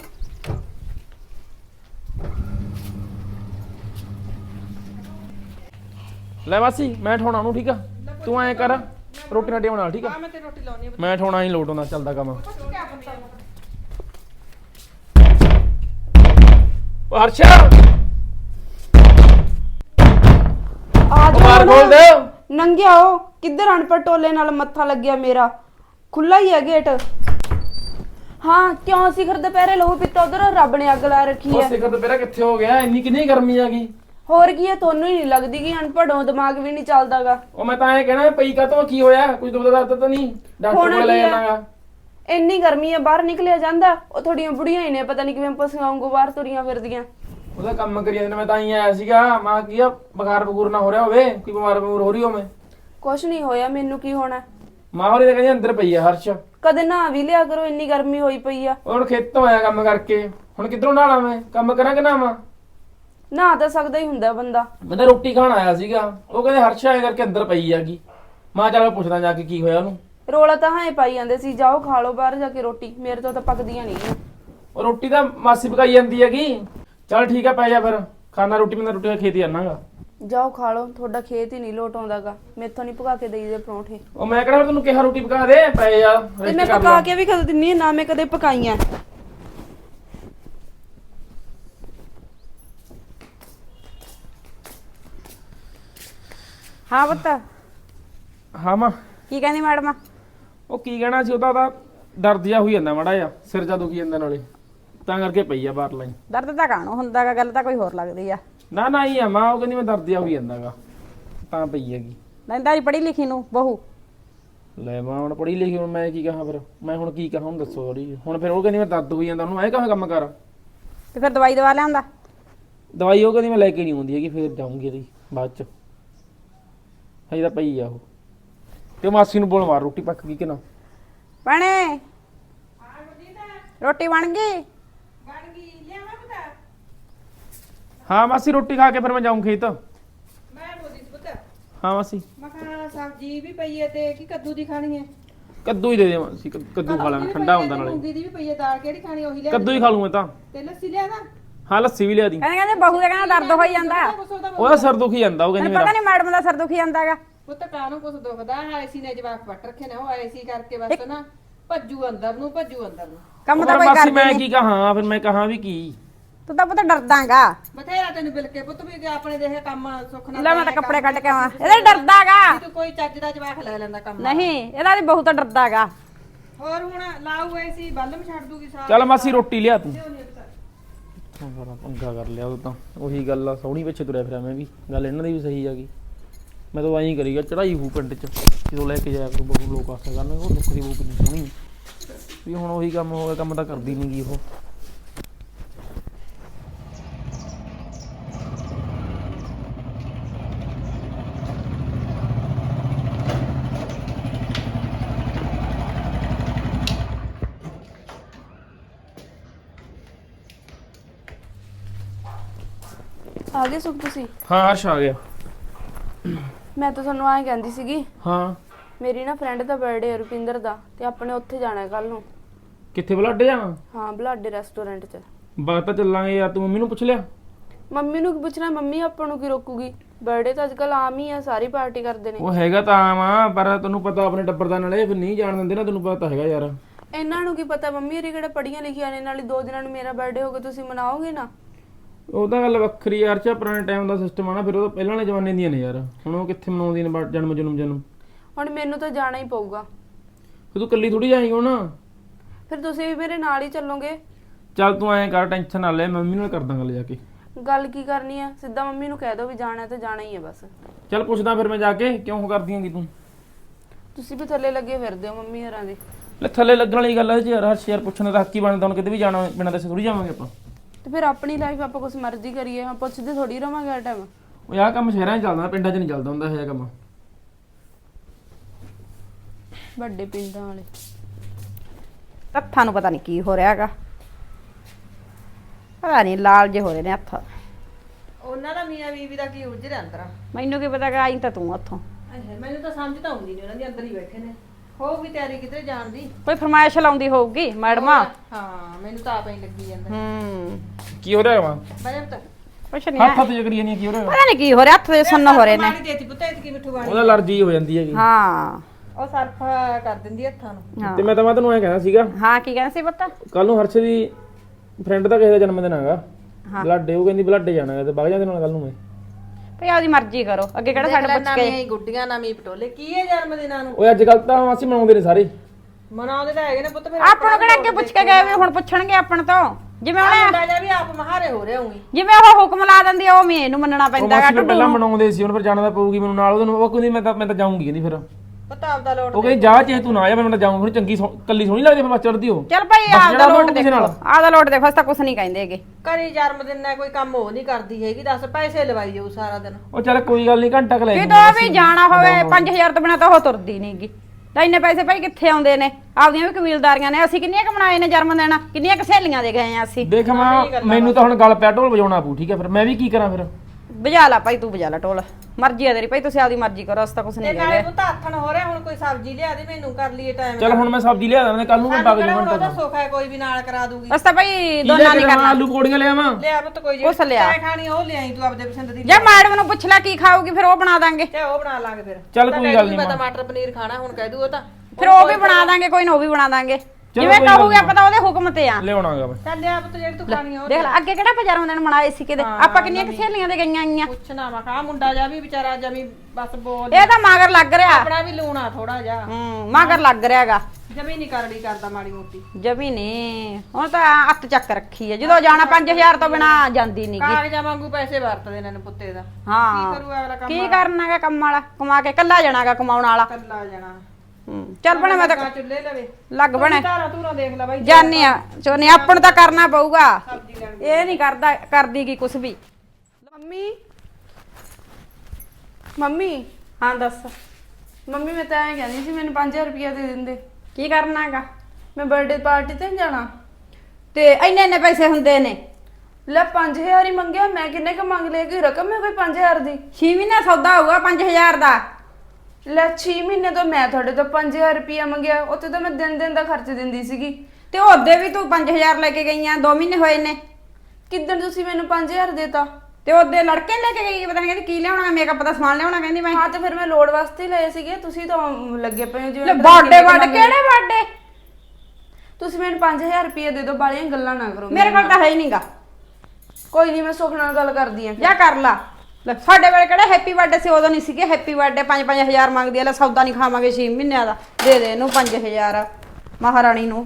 Speaker 1: ਲੈ ਮਾਸੀ ਮੈਂ ਠਾਉਣਾ ਉਹਨੂੰ ਠੀਕ ਆ ਤੂੰ ਐਂ ਕਰ ਰੋਟੀ ਨਾਲ ਬਣਾ ਠੀਕ ਆ
Speaker 3: ਮੈਂ ਤੇ ਰੋਟੀ ਲਾਉਣੀ ਆ
Speaker 1: ਮੈਂ ਠਾਉਣਾ ਹੀ ਲੋਟ ਹੁੰਦਾ ਚੱਲਦਾ ਕੰਮ ਉਹ ਹਰਸ਼ਾ
Speaker 4: ਆ
Speaker 1: ਬਾਹਰ ਖੋਲ ਦੇ
Speaker 4: ਨੰਗਿਆ ਉਹ ਕਿੱਧਰ ਅਣਪੜ ਟੋਲੇ ਨਾਲ ਮੱਥਾ ਲੱਗਿਆ ਮੇਰਾ ਖੁੱਲਾ ਹੀ ਹੈ ਗੇਟ ਹਾਂ ਕਿਉਂ ਸਿਖਰ ਦੁਪਹਿਰੇ ਲਹੂ ਪੀਤਾ ਉਧਰ ਰੱਬ ਨੇ ਅੱਗ ਲਾ ਰੱਖੀ
Speaker 1: ਉਹ
Speaker 4: ਹੈ
Speaker 1: ਸਿਖਰ ਦੁਪਹਿਰਾ ਕਿੱਥੇ ਹੋ ਗਿਆ ਇੰਨੀ ਕਿੰਨੀ ਗਰਮੀ ਆ ਗਈ
Speaker 4: ਹੋਰ ਕੀ ਹੈ ਤੁਹਾਨੂੰ ਹੀ ਨਹੀਂ ਲੱਗਦੀ ਕਿ ਅਣਪੜੋਂ ਦਿਮਾਗ ਵੀ ਨਹੀਂ ਚੱਲਦਾਗਾ
Speaker 1: ਉਹ ਮੈਂ ਤਾਂ ਐਂ ਕਹਿਣਾ ਪਈ ਕਾ ਤੋਂ ਕੀ ਹੋਇਆ ਕੁਝ ਦੁੱਧ ਦਰਦ ਤਾਂ ਨਹੀਂ ਡਾਕਟਰ
Speaker 4: ਹੋਣਾ
Speaker 1: ਕੋਲ ਲੈ
Speaker 4: ਕੀ ਆ?
Speaker 1: ਜਾਣਾਗਾ
Speaker 4: ਇੰਨੀ ਗਰਮੀ ਹੈ ਬਾਹਰ ਨਿਕਲਿਆ ਜਾਂਦਾ ਉਹ ਥੋੜੀਆਂ ਬੁੜੀਆਂ ਹੀ ਨੇ ਪਤਾ ਨਹੀਂ ਕਿਵੇਂ ਪਸੀਆਂ ਵਾਂਗੂ ਬਾਹਰ ਤੁਰੀਆਂ ਫਿਰਦੀਆਂ
Speaker 1: ਉਹਦਾ ਕੰਮ ਕਰੀ ਜਾਂਦੇ ਮੈਂ ਤਾਂ ਹੀ ਆਇਆ ਸੀਗਾ ਮਾਂ ਕੀ ਆ ਬੁਖਾਰ ਬਗੂਰ ਨਾ ਹੋ ਰਿਹਾ ਹੋਵੇ ਕੋਈ ਬਿਮਾਰ ਬਗੂਰ ਹੋ ਰਹੀ ਹੋਵੇ
Speaker 4: ਕੁਛ ਨਹੀਂ ਹੋਇਆ ਮੈਨੂੰ ਕੀ ਹੋਣਾ
Speaker 1: ਮਾਂ ਹੋਰੀ ਤਾਂ ਕਹਿੰਦੀ ਅੰਦਰ ਪਈ ਆ ਹਰਸ਼
Speaker 4: ਕਦੇ ਨਹਾ ਵੀ ਲਿਆ ਕਰੋ ਇੰਨੀ ਗਰਮੀ ਹੋਈ ਪਈ ਆ
Speaker 1: ਉਹ ਹੁਣ ਖੇਤੋਂ ਆਇਆ ਕੰਮ ਕਰਕੇ ਹੁਣ ਕਿੱਧਰੋਂ ਨਹਾਣਾ ਮੈਂ ਕੰਮ ਕਰਾਂ ਕਿ ਨਾ ਮਾਂ
Speaker 4: ਨਹਾ ਤਾਂ ਸਕਦਾ ਹੀ ਹੁੰਦਾ ਬੰਦਾ
Speaker 1: ਮੈਂ ਤਾਂ ਰੋਟੀ ਖਾਣ ਆਇਆ ਸੀਗਾ ਉਹ ਕਹਿੰਦੇ ਹਰਸ਼ ਆਇਆ ਕਰਕੇ ਅੰਦਰ ਪਈ ਆਗੀ ਮਾਂ ਚੱਲ ਮੈਂ ਪੁੱਛਦਾ ਜਾ ਕੇ ਕੀ ਹੋਇਆ ਉਹਨੂੰ
Speaker 4: ਰੋਲਾ ਤਾਂ ਹਾਂ ਪਾਈ ਜਾਂਦੇ ਸੀ ਜਾਓ ਖਾ ਲਓ ਬਾਹਰ ਜਾ ਕੇ ਰੋਟੀ ਮੇਰੇ ਤੋਂ ਤਾਂ ਪੱਕਦੀਆਂ ਨਹੀਂ
Speaker 1: ਉਹ ਰੋਟੀ ਤਾਂ ਮਾਸੀ ਪਕਾਈ ਜਾਂਦੀ ਹੈਗੀ ਚੱਲ ਠੀਕ ਆ ਪੈ ਜਾ ਫਿਰ ਖਾਣਾ ਰੋਟੀ ਮੈਂ ਰੋਟੀ ਖੇਤ ਹੀ ਜਾਣਾਗਾ
Speaker 4: ਜਾਓ ਖਾ ਲਓ ਤੁਹਾਡਾ ਖੇਤ ਹੀ ਨਹੀਂ ਲੋਟ ਆਉਂਦਾਗਾ ਮੇਥੋਂ ਨਹੀਂ ਪਕਾ ਕੇ ਦੇਈਦੇ ਪਰੌਂਠੇ
Speaker 1: ਉਹ ਮੈਂ ਕਿਹੜਾ ਤੈਨੂੰ ਕਿਹਾ ਰੋਟੀ ਪਕਾ ਦੇ ਪੈ ਜਾ
Speaker 4: ਤੇ
Speaker 1: rest
Speaker 4: ਮੈਂ
Speaker 1: ਕਰ
Speaker 4: ਪਕਾ
Speaker 1: ਲੈ।
Speaker 4: ਕੇ ਵੀ ਕਦੇ ਦਿੰਨੀ ਨਾ ਮੈਂ ਕਦੇ ਪਕਾਈਆਂ
Speaker 2: ਹਾਂ ਪੁੱਤ
Speaker 1: ਹਾਂ ਮਾਂ
Speaker 2: ਕੀ ਕਹਿੰਦੀ ਮੈਡਮ
Speaker 1: ਉਹ ਕੀ ਕਹਿਣਾ ਸੀ ਉਹਦਾ ਤਾਂ ਦਰਦ ਜਿਹਾ ਹੋਈ ਜਾਂਦਾ ਮਾੜਾ ਜਿਹਾ ਸਿਰ ਜਾ ਦੁਖੀ ਜਾਂਦਾ ਨਾਲੇ ਤਾਂ ਕਰਕੇ ਪਈ ਆ ਬਾਹਰ ਲਾਈ
Speaker 2: ਦਰਦ ਤਾਂ ਕਾਣੋ ਹੁੰਦਾਗਾ ਗੱਲ ਤਾਂ ਕੋਈ ਹੋਰ ਲੱਗਦੀ ਆ
Speaker 1: ਨਾ ਨਾ ਹੀ ਆ ਮਾਂ ਉਹ ਕਹਿੰਦੀ ਮੈਂ ਦਰਦ ਜਿਹਾ ਹੋਈ ਜਾਂਦਾਗਾ ਤਾਂ ਪਈ ਹੈਗੀ
Speaker 2: ਲੈਂਦਾਰੀ ਪੜ੍ਹੀ ਲਿਖੀ ਨੂੰ ਬਹੂ
Speaker 1: ਲੈ ਮਾਂ ਹੁਣ ਪੜ੍ਹੀ ਲਿਖੀ ਹੁਣ ਮੈਂ ਕੀ ਕਹਾਂ ਫਿਰ ਮੈਂ ਹੁਣ ਕੀ ਕਹਾਂ ਹੁਣ ਦੱਸੋ ਥੋੜੀ ਹੁਣ ਫਿਰ ਉਹ ਕਹਿੰਦੀ ਮੈਂ ਦਰਦ ਹੋਈ ਜਾਂਦਾ ਉਹਨੂੰ ਐ ਕਹਾਂ ਕੰਮ ਕਰ
Speaker 2: ਤੇ ਫਿਰ ਦਵਾਈ ਦਵਾ ਲਿਆਉਂਦਾ
Speaker 1: ਦਵਾਈ ਉਹ ਕਹਿੰਦੀ ਮੈਂ ਲੈ ਕੇ ਨਹੀਂ ਆਉਂਦੀ ਹੈਗੀ ਫਿਰ ਜਾਊਂਗੀ ਇਹਦੀ ਬਾਅਦ ਚ ਹਜੇ ਤਾਂ ਪਈ ਆ ਉਹ ਤੇ ਮਾਸੀ ਨੂੰ ਬੋਲ ਮਾਰ ਰੋਟੀ ਪੱਕ ਗਈ ਕਿ ਨਾ
Speaker 2: ਭੈਣੇ ਰੋਟੀ ਬਣ ਗਈ
Speaker 3: ਬਣ ਗਈ ਲਿਆਵਾਂ ਪੁੱਤ
Speaker 1: ਹਾਂ ਮਾਸੀ ਰੋਟੀ ਖਾ ਕੇ ਫਿਰ ਮੈਂ ਜਾਊਂ ਖੇਤ
Speaker 3: ਮੈਂ ਬੋਲੀ ਸੀ ਪੁੱਤ
Speaker 1: ਹਾਂ ਮਾਸੀ
Speaker 3: ਮਖਾਣਾ ਸਬਜ਼ੀ ਵੀ ਪਈ ਹੈ ਤੇ ਕੀ ਕੱਦੂ ਦੀ ਖਾਣੀ ਹੈ
Speaker 1: ਕੱਦੂ ਹੀ ਦੇ ਦੇ ਮਾਸੀ ਕੱਦੂ ਖਾ ਲਾਂਗੇ ਠੰਡਾ ਹੁੰਦਾ ਨਾਲੇ
Speaker 3: ਮੂੰਗੀ ਦੀ ਵੀ ਪਈ ਹੈ ਦਾਲ ਕਿਹੜੀ ਖਾਣੀ ਉਹੀ ਲਿਆ
Speaker 1: ਕੱਦੂ ਹੀ ਖਾ ਲੂੰ ਮੈਂ ਤਾਂ
Speaker 3: ਤੇ ਲੱਸੀ ਲਿਆ ਨਾ
Speaker 1: ਹਾਂ ਲੱਸੀ ਵੀ ਲਿਆ ਦੀ
Speaker 2: ਕਹਿੰਦੇ ਬਹੂ ਦਾ ਕਹਿੰਦਾ ਦਰਦ ਹੋਈ ਜਾਂਦਾ
Speaker 1: ਉਹਦਾ ਸਿਰ ਦੁਖੀ ਜਾਂਦਾ ਉਹ ਕਹਿੰਦੀ
Speaker 2: ਤੈਨੂੰ ਪਤਾ
Speaker 1: ਮੇਰਾ
Speaker 2: ਨਹੀਂ ਮੈਡਮ ਦਾ ਸਿਰ ਦੁਖੀ ਜਾਂਦਾਗਾ
Speaker 3: ਪੁੱਤ ਕਾਹਨੂੰ ਕੁਛ ਦੁਖਦਾ ਐਸੀ ਨੇ ਜਵਾਕ ਵੱਟ ਰੱਖੇ ਨੇ ਉਹ ਐਸੀ ਕਰਕੇ ਬਸ ਨਾ ਭੱਜੂ ਅੰਦਰ ਨੂੰ
Speaker 2: ਕੰਮ
Speaker 1: ਉਹ
Speaker 2: ਤਾਂ
Speaker 1: ਫਿਰ
Speaker 2: ਕੋਈ
Speaker 1: ਮਾਸੀ
Speaker 2: ਕਰਦੀ
Speaker 1: ਮੈਂ
Speaker 2: ਨਹੀਂ
Speaker 1: ਕੀ ਕਹਾਂ ਫਿਰ ਮੈਂ ਕਹਾਂ ਵੀ ਕੀ
Speaker 2: ਤੂੰ ਤਾਂ ਪੁੱਤ ਡਰਦਾਗਾ
Speaker 3: ਬਥੇਰਾ ਤੈਨੂੰ ਬਿਲ ਕੇ ਪੁੱਤ ਵੀ ਆਪਣੇ ਦੇਖ ਕੰਮ ਸੁੱਖ ਨਾਲ
Speaker 2: ਲੈ ਮੈਂ ਤਾਂ ਕੱਪੜੇ ਕੱਢ ਕੇ ਆਵਾਂ ਇਹਦਾ ਡਰਦਾਗਾ
Speaker 3: ਤੂੰ ਕੋਈ ਚੱਜ ਦਾ ਜਵਾਕ ਲੈ ਲੈਂਦਾ ਕੰਮ
Speaker 2: ਨਹੀਂ ਇਹਦਾ ਦੀ ਬਹੂ ਤਾਂ ਡਰਦਾਗਾ
Speaker 3: ਹੋਰ ਹੁਣ ਲਾਊ ਐਸੀ ਬੱਲਮ ਛੱਡ ਦੂਗੀ ਸਾਰਾ
Speaker 1: ਚੱਲ ਮਾਸੀ ਰੋਟੀ ਲਿਆ ਤੂੰ ਪੰਗਾ ਕਰ ਲਿਆ ਉਹ ਤਾਂ ਉਹੀ ਗੱਲ ਆ ਸੋਹਣੀ ਪਿੱਛੇ ਤੁਰਿਆ ਫਿਰਿਆ ਮੈਂ ਵੀ ਗੱਲ ਇਹਨਾਂ ਦੀ ਵੀ ਸਹੀ ਆ ਗਈ ਮੈਂ ਤਾਂ ਐਂ ਕਰੀਗਾ ਚੜਾਈ ਹੂ ਪਿੰਡ ਚ ਜਦੋਂ ਲੈ ਕੇ ਜਾਇਆ ਕਰੂ ਬਹੂ ਲੋਕ ਆਖਿਆ ਕਰਨ ਉਹ ਦੁੱਖ ਦੀ ਬਹੂ ਕਿੰਨੀ ਸੋਹਣੀ ਵੀ ਹੁਣ ਉਹੀ ਕੰਮ ਹੋ ਗਿਆ ਕੰਮ ਤਾਂ ਕਰਦੀ ਨੀ ਗੀ ਉਹ
Speaker 4: ਆ ਗਏ ਸੁਖ ਤੁਸੀਂ
Speaker 1: ਹਾਂ ਹਰਸ਼ ਆ ਗਿਆ
Speaker 4: ਮੈਂ ਤਾਂ ਤੁਹਾਨੂੰ ਐਂ ਕਹਿੰਦੀ ਸੀਗੀ,
Speaker 1: ਹਾਂ
Speaker 4: ਮੇਰੀ ਨਾ ਫਰੈਂਡ ਦਾ ਬਰਥਡੇ ਹੈ ਰੁਪਿੰਦਰ ਦਾ, ਤੇ ਆਪਣੇ ਉੱਥੇ ਜਾਣਾ ਕੱਲ ਨੂੰ।
Speaker 1: ਕਿੱਥੇ ਬਲੱਡੇ ਜਾਣਾ?
Speaker 4: ਹਾਂ, ਬਲਾਡੇ ਰੈਸਟੋਰੈਂਟ 'ਚ।
Speaker 1: ਬਾਅਦ ਤਾਂ ਚੱਲਾਂਗੇ ਯਾਰ, ਤੂੰ ਮੰਮੀ ਨੂੰ ਪੁੱਛ ਲਿਆ?
Speaker 4: ਮੰਮੀ ਨੂੰ ਕੀ ਪੁੱਛਣਾ, ਮੰਮੀ ਆਪਾਂ ਨੂੰ ਕੀ ਰੋਕੂਗੀ? ਬਰਥਡੇ ਤਾਂ ਅੱਜਕੱਲ ਆਮ ਹੀ ਆ, ਸਾਰੀ ਪਾਰਟੀ ਕਰਦੇ ਨੇ।
Speaker 1: ਉਹ ਹੈਗਾ ਤਾਂ ਆਮ ਆ, ਪਰ ਤੈਨੂੰ ਪਤਾ ਆਪਣੇ ਟੱਬਰ ਦਾ ਨਾਲੇ ਫਿਰ ਨਹੀਂ ਜਾਣ ਦਿੰਦੇ ਨਾ, ਤੈਨੂੰ ਪਤਾ ਹੈਗਾ ਯਾਰ।
Speaker 4: ਇਹਨਾਂ ਨੂੰ ਕੀ ਪਤਾ, ਮੰਮੀ ਹੋਰੀ ਕਿਹੜਾ ਪੜੀਆਂ ਲਿਖੀਆਂ ਨੇ, ਨਾਲੇ 2 ਦਿਨਾਂ ਨੂੰ ਮੇਰਾ ਬਰਥਡੇ ਹੋਗਾ, ਤੁਸੀਂ ਮਨਾਓਗੇ ਨਾ?
Speaker 1: ਉਹ ਤਾਂ ਗੱਲ ਵੱਖਰੀ ਯਾਰ, ਚਾ ਪੁਰਾਣੇ ਟਾਈਮ ਦਾ ਸਿਸਟਮ ਆ ਨਾ, ਫਿਰ ਉਹ ਤਾਂ ਪਹਿਲਾਂ ਵਾਲੇ ਜ਼ਮਾਨੇ ਦੀਆਂ ਨੇ ਯਾਰ। ਹੁਣ ਉਹ ਕਿੱਥੇ ਮਨਾਉਂਦੀਆਂ ਨੇ ਜਨਮ।
Speaker 4: ਹੁਣ ਮੈਨੂੰ ਤਾਂ ਜਾਣਾ ਹੀ ਪਊਗਾ।
Speaker 1: ਫਿਰ ਤੂੰ ਇਕੱਲੀ ਥੋੜੀ ਜਾਏਂਗੀ ਹੁਣ।
Speaker 4: ਫਿਰ ਤੁਸੀਂ ਵੀ ਮੇਰੇ ਨਾਲ ਹੀ ਚੱਲੋਗੇ।
Speaker 1: ਚੱਲ ਤੂੰ ਐਂ ਕਰ, ਟੈਨਸ਼ਨ ਨਾ ਲੈ, ਮੰਮੀ ਨਾਲ ਕਰਦਾ ਗੱਲ ਜਾ ਕੇ।
Speaker 4: ਗੱਲ ਕੀ ਕਰਨੀ ਆ, ਸਿੱਧਾ ਮੰਮੀ ਨੂੰ ਕਹਿ ਦੋ ਵੀ ਜਾਣਾ ਤੇ ਜਾਣਾ ਹੀ ਹੈ ਬਸ।
Speaker 1: ਚੱਲ ਪੁੱਛਦਾ ਫਿਰ ਮੈਂ ਜਾ ਕੇ, ਕਿਉਂ ਕਰਦੀ ਹੈਗੀ ਤੂੰ?
Speaker 4: ਤੁਸੀਂ ਵੀ ਥੱਲੇ ਲੱਗੇ ਫਿਰਦੇ ਹੋ ਮੰਮੀ ਹੋਰਾਂ ਦੇ।
Speaker 1: ਲੈ ਥੱਲੇ ਲੱਗਣ ਵਾਲੀ ਗੱਲ ਹੈ ਜੀ ਯਾਰ, ਯਾਰ ਪੁੱਛਣ ਦਾ ਹੱਕ ਹੀ ਬਣਦਾ, ਹੁਣ ਕਿਤੇ ਵੀ ਜਾਣਾ ਬਿਨਾਂ ਦੱਸੇ ਥੋੜੀ ਜਾਵਾਂਗੇ ਆਪਾਂ।
Speaker 4: ਤੇ ਫਿਰ ਆਪਣੀ ਲਾਈਫ ਆਪਾਂ ਕੁਛ ਮਰਜ਼ੀ ਕਰੀਏ, ਹਾਂ ਪੁੱਛਦੇ ਥੋੜੀ ਰਵਾਂਗੇ ਹਰ ਟਾਈਮ।
Speaker 1: ਉਹ ਆਹ ਕੰਮ ਸ਼ਹਿਰਾਂ 'ਚ ਚੱਲਦਾ, ਪਿੰਡਾਂ 'ਚ ਨਹੀਂ ਚੱਲਦਾ ਹੁੰਦਾ ਇਹ ਕੰਮ।
Speaker 4: ਵੱਡੇ ਪਿੰਡਾਂ ਵਾਲੇ
Speaker 2: ਹੱਥਾਂ ਨੂੰ ਪਤਾ ਨਹੀਂ ਕੀ ਹੋ ਰਿਹਾ ਹੈਗਾ, ਪਤਾ ਨਹੀਂ ਲਾਲ ਜੇ ਹੋ ਰਹੇ ਨੇ ਹੱਥ।
Speaker 3: ਉਹਨਾਂ ਦਾ ਮੀਆਂ ਬੀਵੀ ਦਾ ਕੀ ਉਲਝ ਰਿਹਾ ਅੰਦਰ?
Speaker 2: ਮੈਨੂੰ ਕੀ ਪਤਾ ਕਿ ਆਈ ਤਾਂ ਤੂੰ ਹੱਥੋਂ।
Speaker 3: ਮੈਨੂੰ ਤਾਂ ਸਮਝ ਤਾਂ ਆਉਂਦੀ ਨਹੀਂ, ਉਹਨਾਂ ਦੇ ਅੰਦਰ ਹੀ ਬੈਠੇ ਨੇ। ਹੋਊਗੀ ਤਿਆਰੀ ਕਿਤੇ ਜਾਣ ਦੀ।
Speaker 2: ਕੋਈ ਫਰਮਾਇਸ਼ ਲਾਉਂਦੀ ਹੋਊਗੀ ਮੈਡਮਾ।
Speaker 3: ਹਾਂ, ਮੈਨੂੰ ਤਾਂ ਆਪੇ ਹੀ ਲੱਗੀ ਜਾਂਦਾ।
Speaker 1: ਕੀ ਹੋ ਰਿਹਾ ਵਾ?
Speaker 3: ਬਜਬ ਤੱਕ
Speaker 2: ਕੁਛ ਨਹੀਂ
Speaker 1: ਹੱਥ ਤੇ ਜਗਰੀਆਂ ਨਹੀਂ, ਕੀ ਹੋ ਰਿਹਾ?
Speaker 2: ਪਤਾ ਨਹੀਂ ਕੀ ਹੋ ਰਿਹਾ, ਹੱਥ ਦੇ ਸੁੰਨ ਹੋ ਰਹੇ ਨੇ।
Speaker 3: ਪਾਣੀ ਦੇਤੀ ਪੁੱਤ, ਇਤਕੀ ਮਿੱਠੂ ਪਾਣੀ।
Speaker 1: ਉਹਦਾ ਅਲਰਜੀ ਹੋ ਜਾਂਦੀ ਹੈਗੀ।
Speaker 2: ਹਾਂ
Speaker 3: ਉਹ ਸਰਫ ਕਰ ਦਿੰਦੀ ਹੱਥਾਂ ਨੂੰ।
Speaker 1: ਤੇ ਮੈਂ ਤੈਨੂੰ ਐਂ ਕਹਿਣਾ ਸੀਗਾ,
Speaker 2: ਹਾਂ ਕੀ ਕਹਿੰਦਾ ਸੀ ਪੁੱਤ?
Speaker 1: ਕੱਲ ਨੂੰ ਹਰਸ਼ ਦੀ ਫਰੈਂਡ ਦਾ ਕਿਸੇ ਦਾ ਜਨਮ ਦਿਨ ਹੈਗਾ ਬਲੱਡੇ, ਉਹ ਕਹਿੰਦੀ ਬਲੱਡੇ ਜਾਣਾ ਹੈ ਤੇ ਵਗ ਜਾਂਦੇ ਨਾਲ ਕੱਲ ਨੂੰ। ਮੈਂ
Speaker 2: ਭਈ ਆਪਦੀ ਮਰਜ਼ੀ ਕਰੋ, ਅੱਗੇ ਕਿਹੜਾ ਸਾਡੇ ਪੁੱਛ ਕੇ।
Speaker 3: ਨਵੀਆਂ ਗੁੱਡੀਆਂ ਨਵੀਂ ਪਟੋਲੇ ਕੀ ਹੈ ਜਨਮ ਦਿਨਾਂ ਨੂੰ?
Speaker 1: ਓਏ ਅੱਜ ਕੱਲ ਤਾਂ ਮਾਸੀ ਮਨਾਉਂਦੇ ਨੇ ਸਾਰੇ।
Speaker 3: ਮਨਾਉਂਦੇ ਤਾਂ ਹੈਗੇ ਨੇ ਪੁੱਤ, ਫਿਰ
Speaker 2: ਆਪਾਂ ਨੂੰ ਕਿਹੜਾ ਅੱਗੇ ਪੁੱਛ ਕੇ ਗਏ ਵੀ ਹੁਣ ਪੁੱਛਣਗੇ ਆਪਣ ਤੋਂ? ਜਿਵੇਂ ਉਹਨੇ
Speaker 3: ਮੁੰਡਾ ਜਿਹਾ ਵੀ ਆਪ ਮਹਾਰੇ ਹੋ ਰਿਹਾ ਹੋਊਗੀ।
Speaker 2: ਜਿਵੇਂ ਉਹ ਹੁਕਮ ਲਾ ਦਿੰਦੀ ਆ, ਉਹ ਮੈਂ ਇਹਨੂੰ ਮੰਨਣਾ
Speaker 1: ਉਹ
Speaker 2: ਪੈਂਦਾ
Speaker 1: ਮਾਸੀ
Speaker 2: ਹੈਗਾ।
Speaker 1: ਨੂੰ ਪਹਿਲਾਂ ਮਨਾਉਂਦੇ ਸੀ, ਹੁਣ ਫਿਰ ਜਾਣਾ ਤਾਂ ਪਊਗੀ ਮੈਨੂੰ ਨਾਲ। ਉਹ ਕਹਿੰਦੀ ਮੈਂ ਤਾਂ ਜਾਊਂਗੀ, ਕਹਿੰਦੀ ਫਿਰ
Speaker 3: ਪਤਾ ਆਪਦਾ ਲੋਟ
Speaker 1: ਉਹ ਕਹਿੰਦੀ ਜਾ ਚਾਹੇ ਤੂੰ ਨਾ ਜਾ, ਮੈਂ ਤਾਂ ਜਾਊਂਗੀ। ਚੰਗੀ ਕੱਲੀ ਸੋਹਣੀ ਲੱਗਦੀ, ਫਿਰ ਬਸ ਚੜਦੀ ਉਹ।
Speaker 2: ਚੱਲ ਭਾਈ
Speaker 1: ਬਸ
Speaker 2: ਆਪਦਾ
Speaker 1: ਜਿਹੜਾ
Speaker 2: ਲੋਟ
Speaker 1: ਕਿਸੇ
Speaker 2: ਦੇਖੋ,
Speaker 1: ਨਾਲ।
Speaker 2: ਆਪਦਾ ਲੋਟ ਦੇਖੋ, ਅਸੀਂ ਤਾਂ ਕੁਛ ਨਹੀਂ ਕਹਿੰਦੇ ਹੈਗੇ।
Speaker 3: ਕਰੀ ਜਨਮ ਦਿਨ ਨਾਲ ਕੋਈ ਕੰਮ ਉਹ ਨਹੀਂ ਕਰਦੀ ਹੈਗੀ, ਦੱਸ ਪੈਸੇ ਲਵਾਈ ਜਾਊ ਸਾਰਾ ਦਿਨ।
Speaker 1: ਉਹ ਚੱਲ ਕੋਈ ਗੱਲ ਨਹੀਂ, ਘੰਟਾ ਕ ਲੈ
Speaker 2: ਕਿਤੋਂ ਵੀ ਜਾਣਾ ਹੋਵੇ 5000 ਤੋਂ ਬਿਨਾਂ ਤਾਂ ਉਹ ਤੁਰਦੀ ਨਹੀਂਗੀ। ਤਾਂ ਇੰਨੇ ਪੈਸੇ ਭਾਈ ਕਿੱਥੇ ਆਉਂਦੇ ਨੇ? ਆਪਦੀਆਂ ਵੀ ਕਬੀਲਦਾਰੀਆਂ ਨੇ। ਅਸੀਂ ਕਿੰਨੀਆਂ ਕਮਾਏ ਨੇ ਜਨਮ ਦਿਨ, ਕਿੰਨੀਆਂ ਸਹੇਲੀਆਂ ਦੇ ਗਏ ਆ ਅਸੀਂ।
Speaker 1: ਦੇਖ ਮੈਨੂੰ ਤਾਂ ਹੁਣ ਗੱਲ ਪਿਆ ਢੋਲ ਵਜਾਉਣਾ ਪਊ, ਠੀਕ ਹੈ? ਫਿਰ ਮੈਂ ਵੀ ਕੀ ਕਰਾਂ ਫਿਰ?
Speaker 2: ਵਜਾ ਲਾ ਭਾਈ, ਤੂੰ ਵਜਾ ਲਾ ਢੋਲ, ਮਰਜ਼ੀ ਆ ਤੇਰੀ ਭਾਈ, ਤੁਸੀਂ ਆਪਦੀ ਮਰਜ਼ੀ ਕਰੋ, ਅਸੀਂ ਤਾਂ ਕੁਛ ਨਹੀਂ
Speaker 3: ਤੇ
Speaker 2: ਕਹਿੰਦੇ।
Speaker 3: ਨਾਲੇ ਪੁੱਤ ਹੱਥਣ ਹੋ ਰਿਹਾ, ਹੁਣ ਕੋਈ ਸਬਜ਼ੀ ਲਿਆ ਦੇ ਮੈਨੂੰ, ਕਰ ਲਈਏ ਟਾਈਮ।
Speaker 1: ਚੱਲ ਹੁਣ ਮੈਂ ਸਬਜ਼ੀ ਲਿਆ ਦਾਂ, ਕੱਲ ਨੂੰ ਮੈਂ ਵਗ ਜਾਵਾਂ।
Speaker 3: ਉਹਦਾ ਸੁੱਖ ਹੈ, ਕੋਈ ਵੀ ਨਾਲ ਕਰਾ ਦੂਗੀ।
Speaker 2: ਅਸੀਂ ਤਾਂ ਭਾਈ ਦੋਨਾਂ ਨਹੀਂ ਕਰਨਾ।
Speaker 1: ਆਲੂ ਪਕੌੜੀਆਂ ਲਿਆਵਾਂ?
Speaker 3: ਲਿਆ ਪੁੱਤ ਕੋਈ
Speaker 2: ਕੁਛ ਲਿਆ।
Speaker 3: ਚਾਹ ਖਾਣੀ ਉਹ ਲਿਆਈ ਤੂੰ ਆਪਦੇ ਪਸੰਦ ਦੀ।
Speaker 2: ਜੇ ਮੈਡਮ ਨੂੰ ਪੁੱਛ ਲੈ ਕੀ ਖਾਊਗੀ, ਫਿਰ ਉਹ ਬਣਾ ਦਾਂਗੇ।
Speaker 3: ਤੇ ਉਹ ਬਣਾ ਲਾਂਗੇ ਫਿਰ।
Speaker 1: ਚੱਲ ਕੋਈ ਗੱਲ ਨਹੀਂ,
Speaker 3: ਮੈਂ ਤਾਂ ਮਟਰ ਪਨੀਰ ਖਾਣਾ, ਹੁਣ ਕਹਿ ਦੂ ਉਹ ਤਾਂ।
Speaker 2: ਫਿਰ ਉਹ ਵੀ ਬਣਾ ਦਾਂਗੇ, ਕੋਈ ਨਾ ਉਹ ਵੀ ਬਣਾ ਦਾਂਗੇ, ਜਿਵੇਂ ਕਹੂਗੇ ਆਪਾਂ ਤਾਂ ਉਹਦੇ ਹੁਕਮ ਤੇ ਆ।
Speaker 1: ਲਿਆਉਣਾਗਾ ਮੈਂ।
Speaker 3: ਚੱਲ ਲਿਆ ਪੁੱਤ, ਜਿਹੜੀ ਤੂੰ ਖਾਣੀ ਉਹ
Speaker 2: ਦੇਖ ਲੈ, ਅੱਗੇ ਕਿਹੜਾ ਆਪਾਂ ਜਨਮ ਦਿਨ ਮਨਾਏ ਸੀ ਕਿਤੇ? ਆਪਾਂ ਕਿੰਨੀਆਂ ਸਹੇਲੀਆਂ ਦੇ ਗਈਆਂ ਆਈਆਂ।
Speaker 3: ਪੁੱਛਣਾ ਵਾ ਕਾ ਮੁੰਡਾ ਜਾ ਵੀ ਵਿਚਾਰਾ ਜਮੀ ਬਸ ਬੋਲ।
Speaker 2: ਇਹ ਤਾਂ ਮਗਰ ਲੱਗ ਰਿਹਾ।
Speaker 3: ਆਪਣਾ ਵੀ ਲੂਣਾ ਥੋੜਾ ਜਿਹਾ।
Speaker 2: ਮਗਰ ਲੱਗ ਰਿਹਾਗਾ,
Speaker 3: ਜਮੀ ਨਹੀਂ ਕਰੜੀ ਕਰਦਾ ਮਾੜੀ ਮੋਟੀ।
Speaker 2: ਜਮੀ ਨੀ, ਹੁਣ ਤਾਂ ਅੱਤ ਚੱਕ ਰੱਖੀ ਹੈ। ਜਦੋਂ ਜਾਣਾ 5000 ਤੋਂ ਬਿਨਾ ਜਾਂਦੀ ਨੀ ਗੀ।
Speaker 3: ਕਾਗਜ਼ਾਂ ਵਾਂਗੂ ਪੈਸੇ ਵਰਤਦੇ ਇਹਨਾਂ ਨੇ ਪੁੱਤੇ ਦਾ।
Speaker 2: ਹਾਂ,
Speaker 3: ਕੀ ਕਰੂ ਅਗਲਾ ਕੰਮ?
Speaker 2: ਕੀ ਕਰਨਾਗਾ ਕੰਮ ਵਾਲਾ? ਕਮਾ ਕੇ ਕੱਲਾ ਜਾਣਾਗਾ ਕਮਾਉਣ ਵਾਲਾ।
Speaker 3: ਕੱਲਾ ਜਾਣਾ।
Speaker 2: ਚੱਲ ਬਣੇ, ਮੈਂ ਤਾਂ
Speaker 3: ਚੁੱਲ੍ਹੇ ਲਵੇ
Speaker 2: ਲੱਗ ਬਣੇ
Speaker 3: ਧਾਰਾ ਧੂਰਾ ਦੇਖ ਲੈ ਬਾਈ।
Speaker 2: ਜਾਨੀ ਆ ਚੋਨੀ, ਆਪਣ ਤਾਂ ਕਰਨਾ ਪਊਗਾ।
Speaker 3: ਸਬਜ਼ੀ ਲੈਣ
Speaker 2: ਇਹ ਨਹੀਂ ਕਰਦੀ ਕੀ ਕੁਛ ਵੀ।
Speaker 4: ਮੰਮੀ
Speaker 2: ਹਾਂ ਦੱਸ,
Speaker 4: ਮੰਮੀ ਮੈਂ ਤਾਂ ਐਂ ਕਹਿੰਦੀ ਸੀ ਮੈਨੂੰ 5000 ਰੁਪਇਆ ਦੇ ਦਿੰਦੇ।
Speaker 2: ਕੀ ਕਰਨਾਗਾ?
Speaker 4: ਮੈਂ ਬਰਥਡੇ ਪਾਰਟੀ ਤੇ ਨੀ ਜਾਣਾ।
Speaker 2: ਤੇ ਇੰਨੇ ਪੈਸੇ ਹੁੰਦੇ ਨੇ?
Speaker 4: ਲੈ 5000 ਹੀ ਮੰਗਿਆ, ਮੈਂ ਕਿੰਨੇ ਕ ਮੰਗ ਲਿਆ? ਕਿ ਰਕਮ ਹੈ ਕੋਈ 5000 ਦੀ?
Speaker 2: 6 ਮਹੀਨਾ ਸੌਦਾ ਹੋਊਗਾ 5000 ਦਾ।
Speaker 4: ਲੈ 6 ਮਹੀਨੇ ਤੋਂ ਮੈਂ ਤੁਹਾਡੇ ਤੋਂ 5000 ਰੁਪਇਆ ਮੰਗਿਆ, ਉੱਥੇ ਤਾਂ ਮੈਂ ਦਿਨ ਦਾ ਖਰਚ ਦਿੰਦੀ ਸੀਗੀ।
Speaker 2: ਤੇ ਉਹਦੇ ਵੀ ਤੂੰ 5000 ਲੈ ਕੇ ਗਈਆਂ, 2 ਮਹੀਨੇ ਹੋਏ ਨੇ।
Speaker 4: ਕਿੱਦਣ ਤੁਸੀਂ ਮੈਨੂੰ 5000 ਦੇਤਾ?
Speaker 2: ਤੇ ਉਹਦੇ ਲੜਕੇ ਲੈ ਕੇ ਗਈ, ਪਤਾ ਨਹੀਂ ਕਹਿੰਦੀ ਕੀ ਲਿਆਉਣਾ, ਮੇਕਅਪ ਦਾ ਸਮਾਨ ਲਿਆਉਣਾ ਕਹਿੰਦੀ ਮੈਂ।
Speaker 4: ਹਾਂ ਤੇ ਫਿਰ ਮੈਂ ਲੋੜ ਵਾਸਤੇ ਹੀ ਲਏ ਸੀਗੇ, ਤੁਸੀਂ ਤਾਂ ਲੱਗੇ ਪਏ ਹੋ ਜਿਵੇਂ
Speaker 2: ਬਰਥਡੇ ਕਿਹੜੇ ਬਰਥਡੇ?
Speaker 4: ਤੁਸੀਂ ਮੈਨੂੰ 5000 ਰੁਪਇਆ ਦੇ ਦਿਓ, ਬਾਲੀਆਂ ਗੱਲਾਂ ਨਾ ਕਰੋ।
Speaker 2: ਮੇਰੇ ਕੋਲ ਤਾਂ ਹੈ ਹੀ ਨਹੀਂਗਾ।
Speaker 4: ਕੋਈ ਨਹੀਂ, ਮੈਂ ਸੁਖ ਨਾਲ ਗੱਲ ਕਰਦੀ ਆਂ।
Speaker 2: ਜਾ ਕਰ ਲਾ। ਲੈ ਸਾਡੇ ਵੇਲੇ ਕਿਹੜਾ ਹੈਪੀ ਬਰਥਡੇ ਸੀ, ਉਦੋਂ ਨਹੀਂ ਸੀਗੇ ਹੈਪੀ ਬਰਥਡੇ। 5-5000 ਮੰਗਦੀ ਆ, ਲੈ ਸੌਦਾ ਨਹੀਂ ਖਾਵਾਂਗੇ 6 ਮਹੀਨਿਆਂ ਦਾ, ਦੇ ਦੇ ਇਹਨੂੰ 5000 ਮਹਾਰਾਣੀ ਨੂੰ।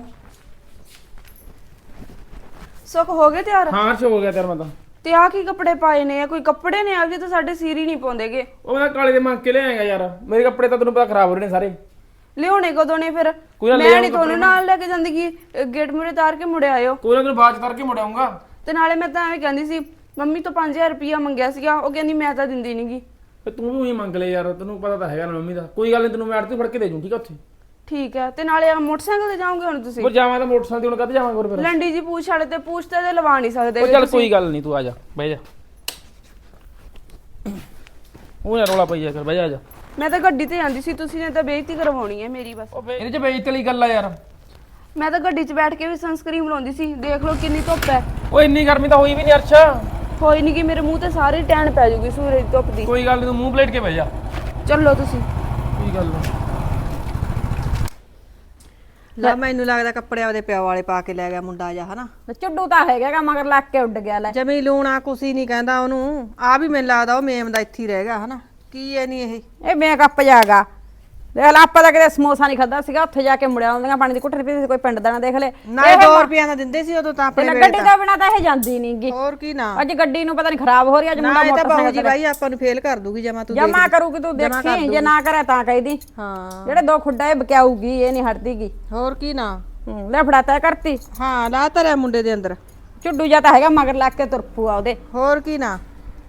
Speaker 4: ਸੁਖ ਹੋ ਗਏ ਤਿਆਰ?
Speaker 1: ਹਾਂ ਹੋ ਗਿਆ ਤੇਰਾ। ਮੈਂ ਤਾਂ
Speaker 4: ਤੇ ਆ ਕੀ ਕੱਪੜੇ ਪਾਏ ਨੇ? ਕੋਈ ਕੱਪੜੇ ਨੇ? ਆ ਵੀ ਤਾਂ ਸਾਡੇ ਸਿਰ ਹੀ ਨਹੀਂ ਪਾਉਂਦੇਗੇ।
Speaker 1: ਉਹ ਮੈਂ ਕਾਲੇ ਦੇ ਮੰਗ ਕੇ ਲਿਆਏਗਾ ਯਾਰ, ਮੇਰੇ ਕੱਪੜੇ ਤਾਂ ਤੈਨੂੰ ਪਤਾ ਖਰਾਬ ਹੋ ਰਹੇ ਨੇ ਸਾਰੇ।
Speaker 4: ਲਿਆਉਣੇ ਕਦੋਂ ਨੇ ਫਿਰ?
Speaker 1: ਕੋਈ ਨਾ ਲੈ
Speaker 4: ਮੈਂ
Speaker 1: ਆਊਂ
Speaker 4: ਨਹੀਂ ਤੁਹਾਨੂੰ ਨਾਲ ਲੈ ਕੇ ਜਾਂਦੀ ਕਿ ਗੇਟ ਮੂਰੇ ਤਾਰ ਕੇ ਮੁੜ ਆਇਓ।
Speaker 1: ਕੋਈ ਨਾ ਤੈਨੂੰ ਬਾਅਦ ਚ ਕਰਕੇ ਮੁੜਾਉਂਗਾ।
Speaker 4: ਤੇ ਨਾਲੇ ਮੈਂ ਤਾਂ ਐਵੇਂ ਕਹਿੰਦੀ ਸੀ, ਮੰਮੀ ਤੋਂ 5000 ਰੁਪਇਆ ਮੰਗਿਆ ਸੀਗਾ, ਉਹ ਕਹਿੰਦੀ ਮੈਂ ਤਾਂ ਦਿੰਦੀ ਨਹੀਂਗੀ।
Speaker 1: ਤੇ ਤੂੰ ਵੀ ਉਹੀ ਮੰਗ ਲੈ ਯਾਰ, ਤੈਨੂੰ ਪਤਾ ਤਾਂ ਹੈਗਾ ਨਾ ਮੰਮੀ ਦਾ। ਕੋਈ ਗੱਲ ਨਹੀਂ, ਤੈਨੂੰ ਮੈਂ ਆੜਤੀ ਫੜ ਕੇ ਦੇ ਜੂੰ, ਠੀਕ ਆ? ਉੱਥੇ
Speaker 4: ਠੀਕ ਹੈ। ਤੇ ਨਾਲੇ ਮੋਟਰਸਾਈਕਲ ਤੇ ਜਾਓਗੇ ਹੁਣ ਤੁਸੀਂ?
Speaker 1: ਹੋਰ ਜਾਵਾਂ ਤਾਂ ਮੋਟਰਸਾਈਕਲ ਤੇ, ਹੁਣ ਕਦ ਜਾਵਾਂਗੇ ਫਿਰ?
Speaker 4: ਲੰਡੀ ਜੀ ਪੂਛ ਵਾਲੇ ਤੇ ਪੂਛ ਤੇ ਲਵਾ ਨਹੀਂ ਸਕਦੇ।
Speaker 1: ਉਹ ਚੱਲ ਕੋਈ ਗੱਲ ਨਹੀਂ, ਤੂੰ ਆ ਜਾ, ਬਹਿ ਜਾ। ਉਹ ਯਾਰ ਰੌਲਾ ਪਈ ਜਾ ਕਰ, ਬਹਿ ਜਾ, ਆ ਜਾ।
Speaker 4: ਮੈਂ ਤਾਂ ਗੱਡੀ ਤੇ ਜਾਂਦੀ ਸੀ, ਤੁਸੀਂ ਨੇ ਤਾਂ ਬੇਇੱਜ਼ਤੀ ਕਰਵਾਉਣੀ ਹੈ ਮੇਰੀ ਬਸ।
Speaker 1: ਇਹਦੇ ਚ ਬੇਇੱਜ਼ਤੀ ਵਾਲੀ ਗੱਲ ਆ ਯਾਰ।
Speaker 4: ਮੈਂ ਤਾਂ ਗੱਡੀ 'ਚ ਬੈਠ ਕੇ ਵੀ ਸਨਸਕ੍ਰੀਨ ਲਾਉਂਦੀ ਸੀ, ਦੇਖ ਲਓ ਕਿੰਨੀ ਧੁੱਪ ਹੈ।
Speaker 1: ਓਏ ਇੰਨੀ ਗਰਮੀ ਤਾਂ ਹੋਈ ਵੀ ਨਹੀਂ ਅਰਸ਼।
Speaker 4: ਕੋਈ ਨਹੀਂ ਕਿ ਮੇਰੇ ਮੂੰਹ ਤੇ ਸਾਰੀ ਟੈਨ ਪੈ ਜੂਗੀ ਸੂਰਜ ਦੀ ਧੁੱਪ ਦੀ।
Speaker 1: ਕੋਈ ਗੱਲ ਨਹੀਂ, ਤੂੰ ਮੂੰਹ ਪਲੇਟ ਕੇ ਬਹਿ ਜਾ।
Speaker 4: ਚੱਲੋ ਤੁਸੀਂ।
Speaker 1: ਕੋਈ ਗੱਲ ਨਹੀਂ।
Speaker 3: ਲੈ ਮੈਨੂੰ ਲੱਗਦਾ ਕੱਪੜੇ ਆਪਦੇ ਪਿਓ ਵਾਲੇ ਪਾ ਕੇ ਲੈ ਗਿਆ ਮੁੰਡਾ ਜਾ ਹਨਾ।
Speaker 2: ਚੁੱਡੂ ਤਾਂ ਹੈਗਾ ਮਗਰ ਲੱਗ ਕੇ ਉੱਡ ਗਿਆ ਲੈ।
Speaker 3: ਜਮੀ ਲੂਣਾ ਕੁਸੀ ਨਹੀਂ ਕਹਿੰਦਾ ਉਹਨੂੰ, ਆ ਵੀ ਮੈਨੂੰ ਲੱਗਦਾ ਉਹ ਮੇਮ ਦਾ ਇੱਥੇ ਹੀ ਰਹਿ ਗਿਆ ਹਨਾ। ਕੀ ਐ ਨਹੀਂ ਇਹ
Speaker 2: ਮੇਕਅਪ ਜਾਗਾ ਦੇਖ ਲੈ, ਆਪਾਂ ਤਾਂ ਕਿਤੇ ਸਮੋਸਾ ਨਹੀਂ ਖਾਦਾ ਸੀਗਾ, ਉੱਥੇ ਜਾ ਕੇ ਮੁੜਿਆ ਆਉਂਦੀਆਂ ਪਾਣੀ ਦੀ ਘੁੱਟ ਪੀਤੀ, ਕੋਈ ਪਿੰਡ ਦਾ ਨਾ ਦੇਖ ਲੈ।
Speaker 3: ਨਾ 2 ਰੁਪਈਆ ਦਾ ਦਿੰਦੇ ਸੀ ਉਦੋਂ ਤਾਂ ਆਪਣੇ ਵੇਲੇ
Speaker 2: ਗੱਡੀ ਤੋਂ ਬਿਨਾ ਤਾਂ ਇਹ ਜਾਂਦੀ ਨਹੀਂਗੀ।
Speaker 3: ਹੋਰ ਕੀ ਨਾ,
Speaker 2: ਅੱਜ ਗੱਡੀ ਨੂੰ ਪਤਾ ਨਹੀਂ ਖਰਾਬ ਹੋ ਰਹੀ, ਅੱਜ
Speaker 3: ਨਾ
Speaker 2: ਮੁੰਡਾ
Speaker 3: ਇਹ ਤਾਂ ਬਾਹੂ ਜੀ
Speaker 2: ਮੋਟਰਸਾਈਕਲ
Speaker 3: ਬਾਈ ਆਪਾਂ ਨੂੰ ਫੇਲ ਕਰ ਦੂਗੀ ਜਮਾ। ਤੂੰ
Speaker 2: ਜਮਾ ਕਰੂਗੀ ਤੂੰ ਦੇਖੀ, ਜੇ ਨਾ ਕਰੇ ਤਾਂ ਕਹਿਦੀ
Speaker 3: ਹਾਂ
Speaker 2: ਜਿਹੜੇ 2 ਖੁੱਡਾ ਇਹ ਬਕਿਆਊਗੀ, ਇਹ ਨਹੀਂ ਹਟਦੀਗੀ।
Speaker 3: ਹੋਰ ਕੀ ਨਾ,
Speaker 2: ਲੈ ਫੜਾਤਾ ਕਰਤੀ।
Speaker 3: ਹਾਂ ਲਾ ਤਰਿਆ ਮੁੰਡੇ ਦੇ ਅੰਦਰ।
Speaker 2: ਚੁੱਡੂ ਜਾ ਤਾਂ ਹੈਗਾ ਮਗਰ ਲੱਗ ਕੇ ਤੁਰਪੂ ਆ ਉਹਦੇ।
Speaker 3: ਹੋਰ ਕੀ ਨਾ,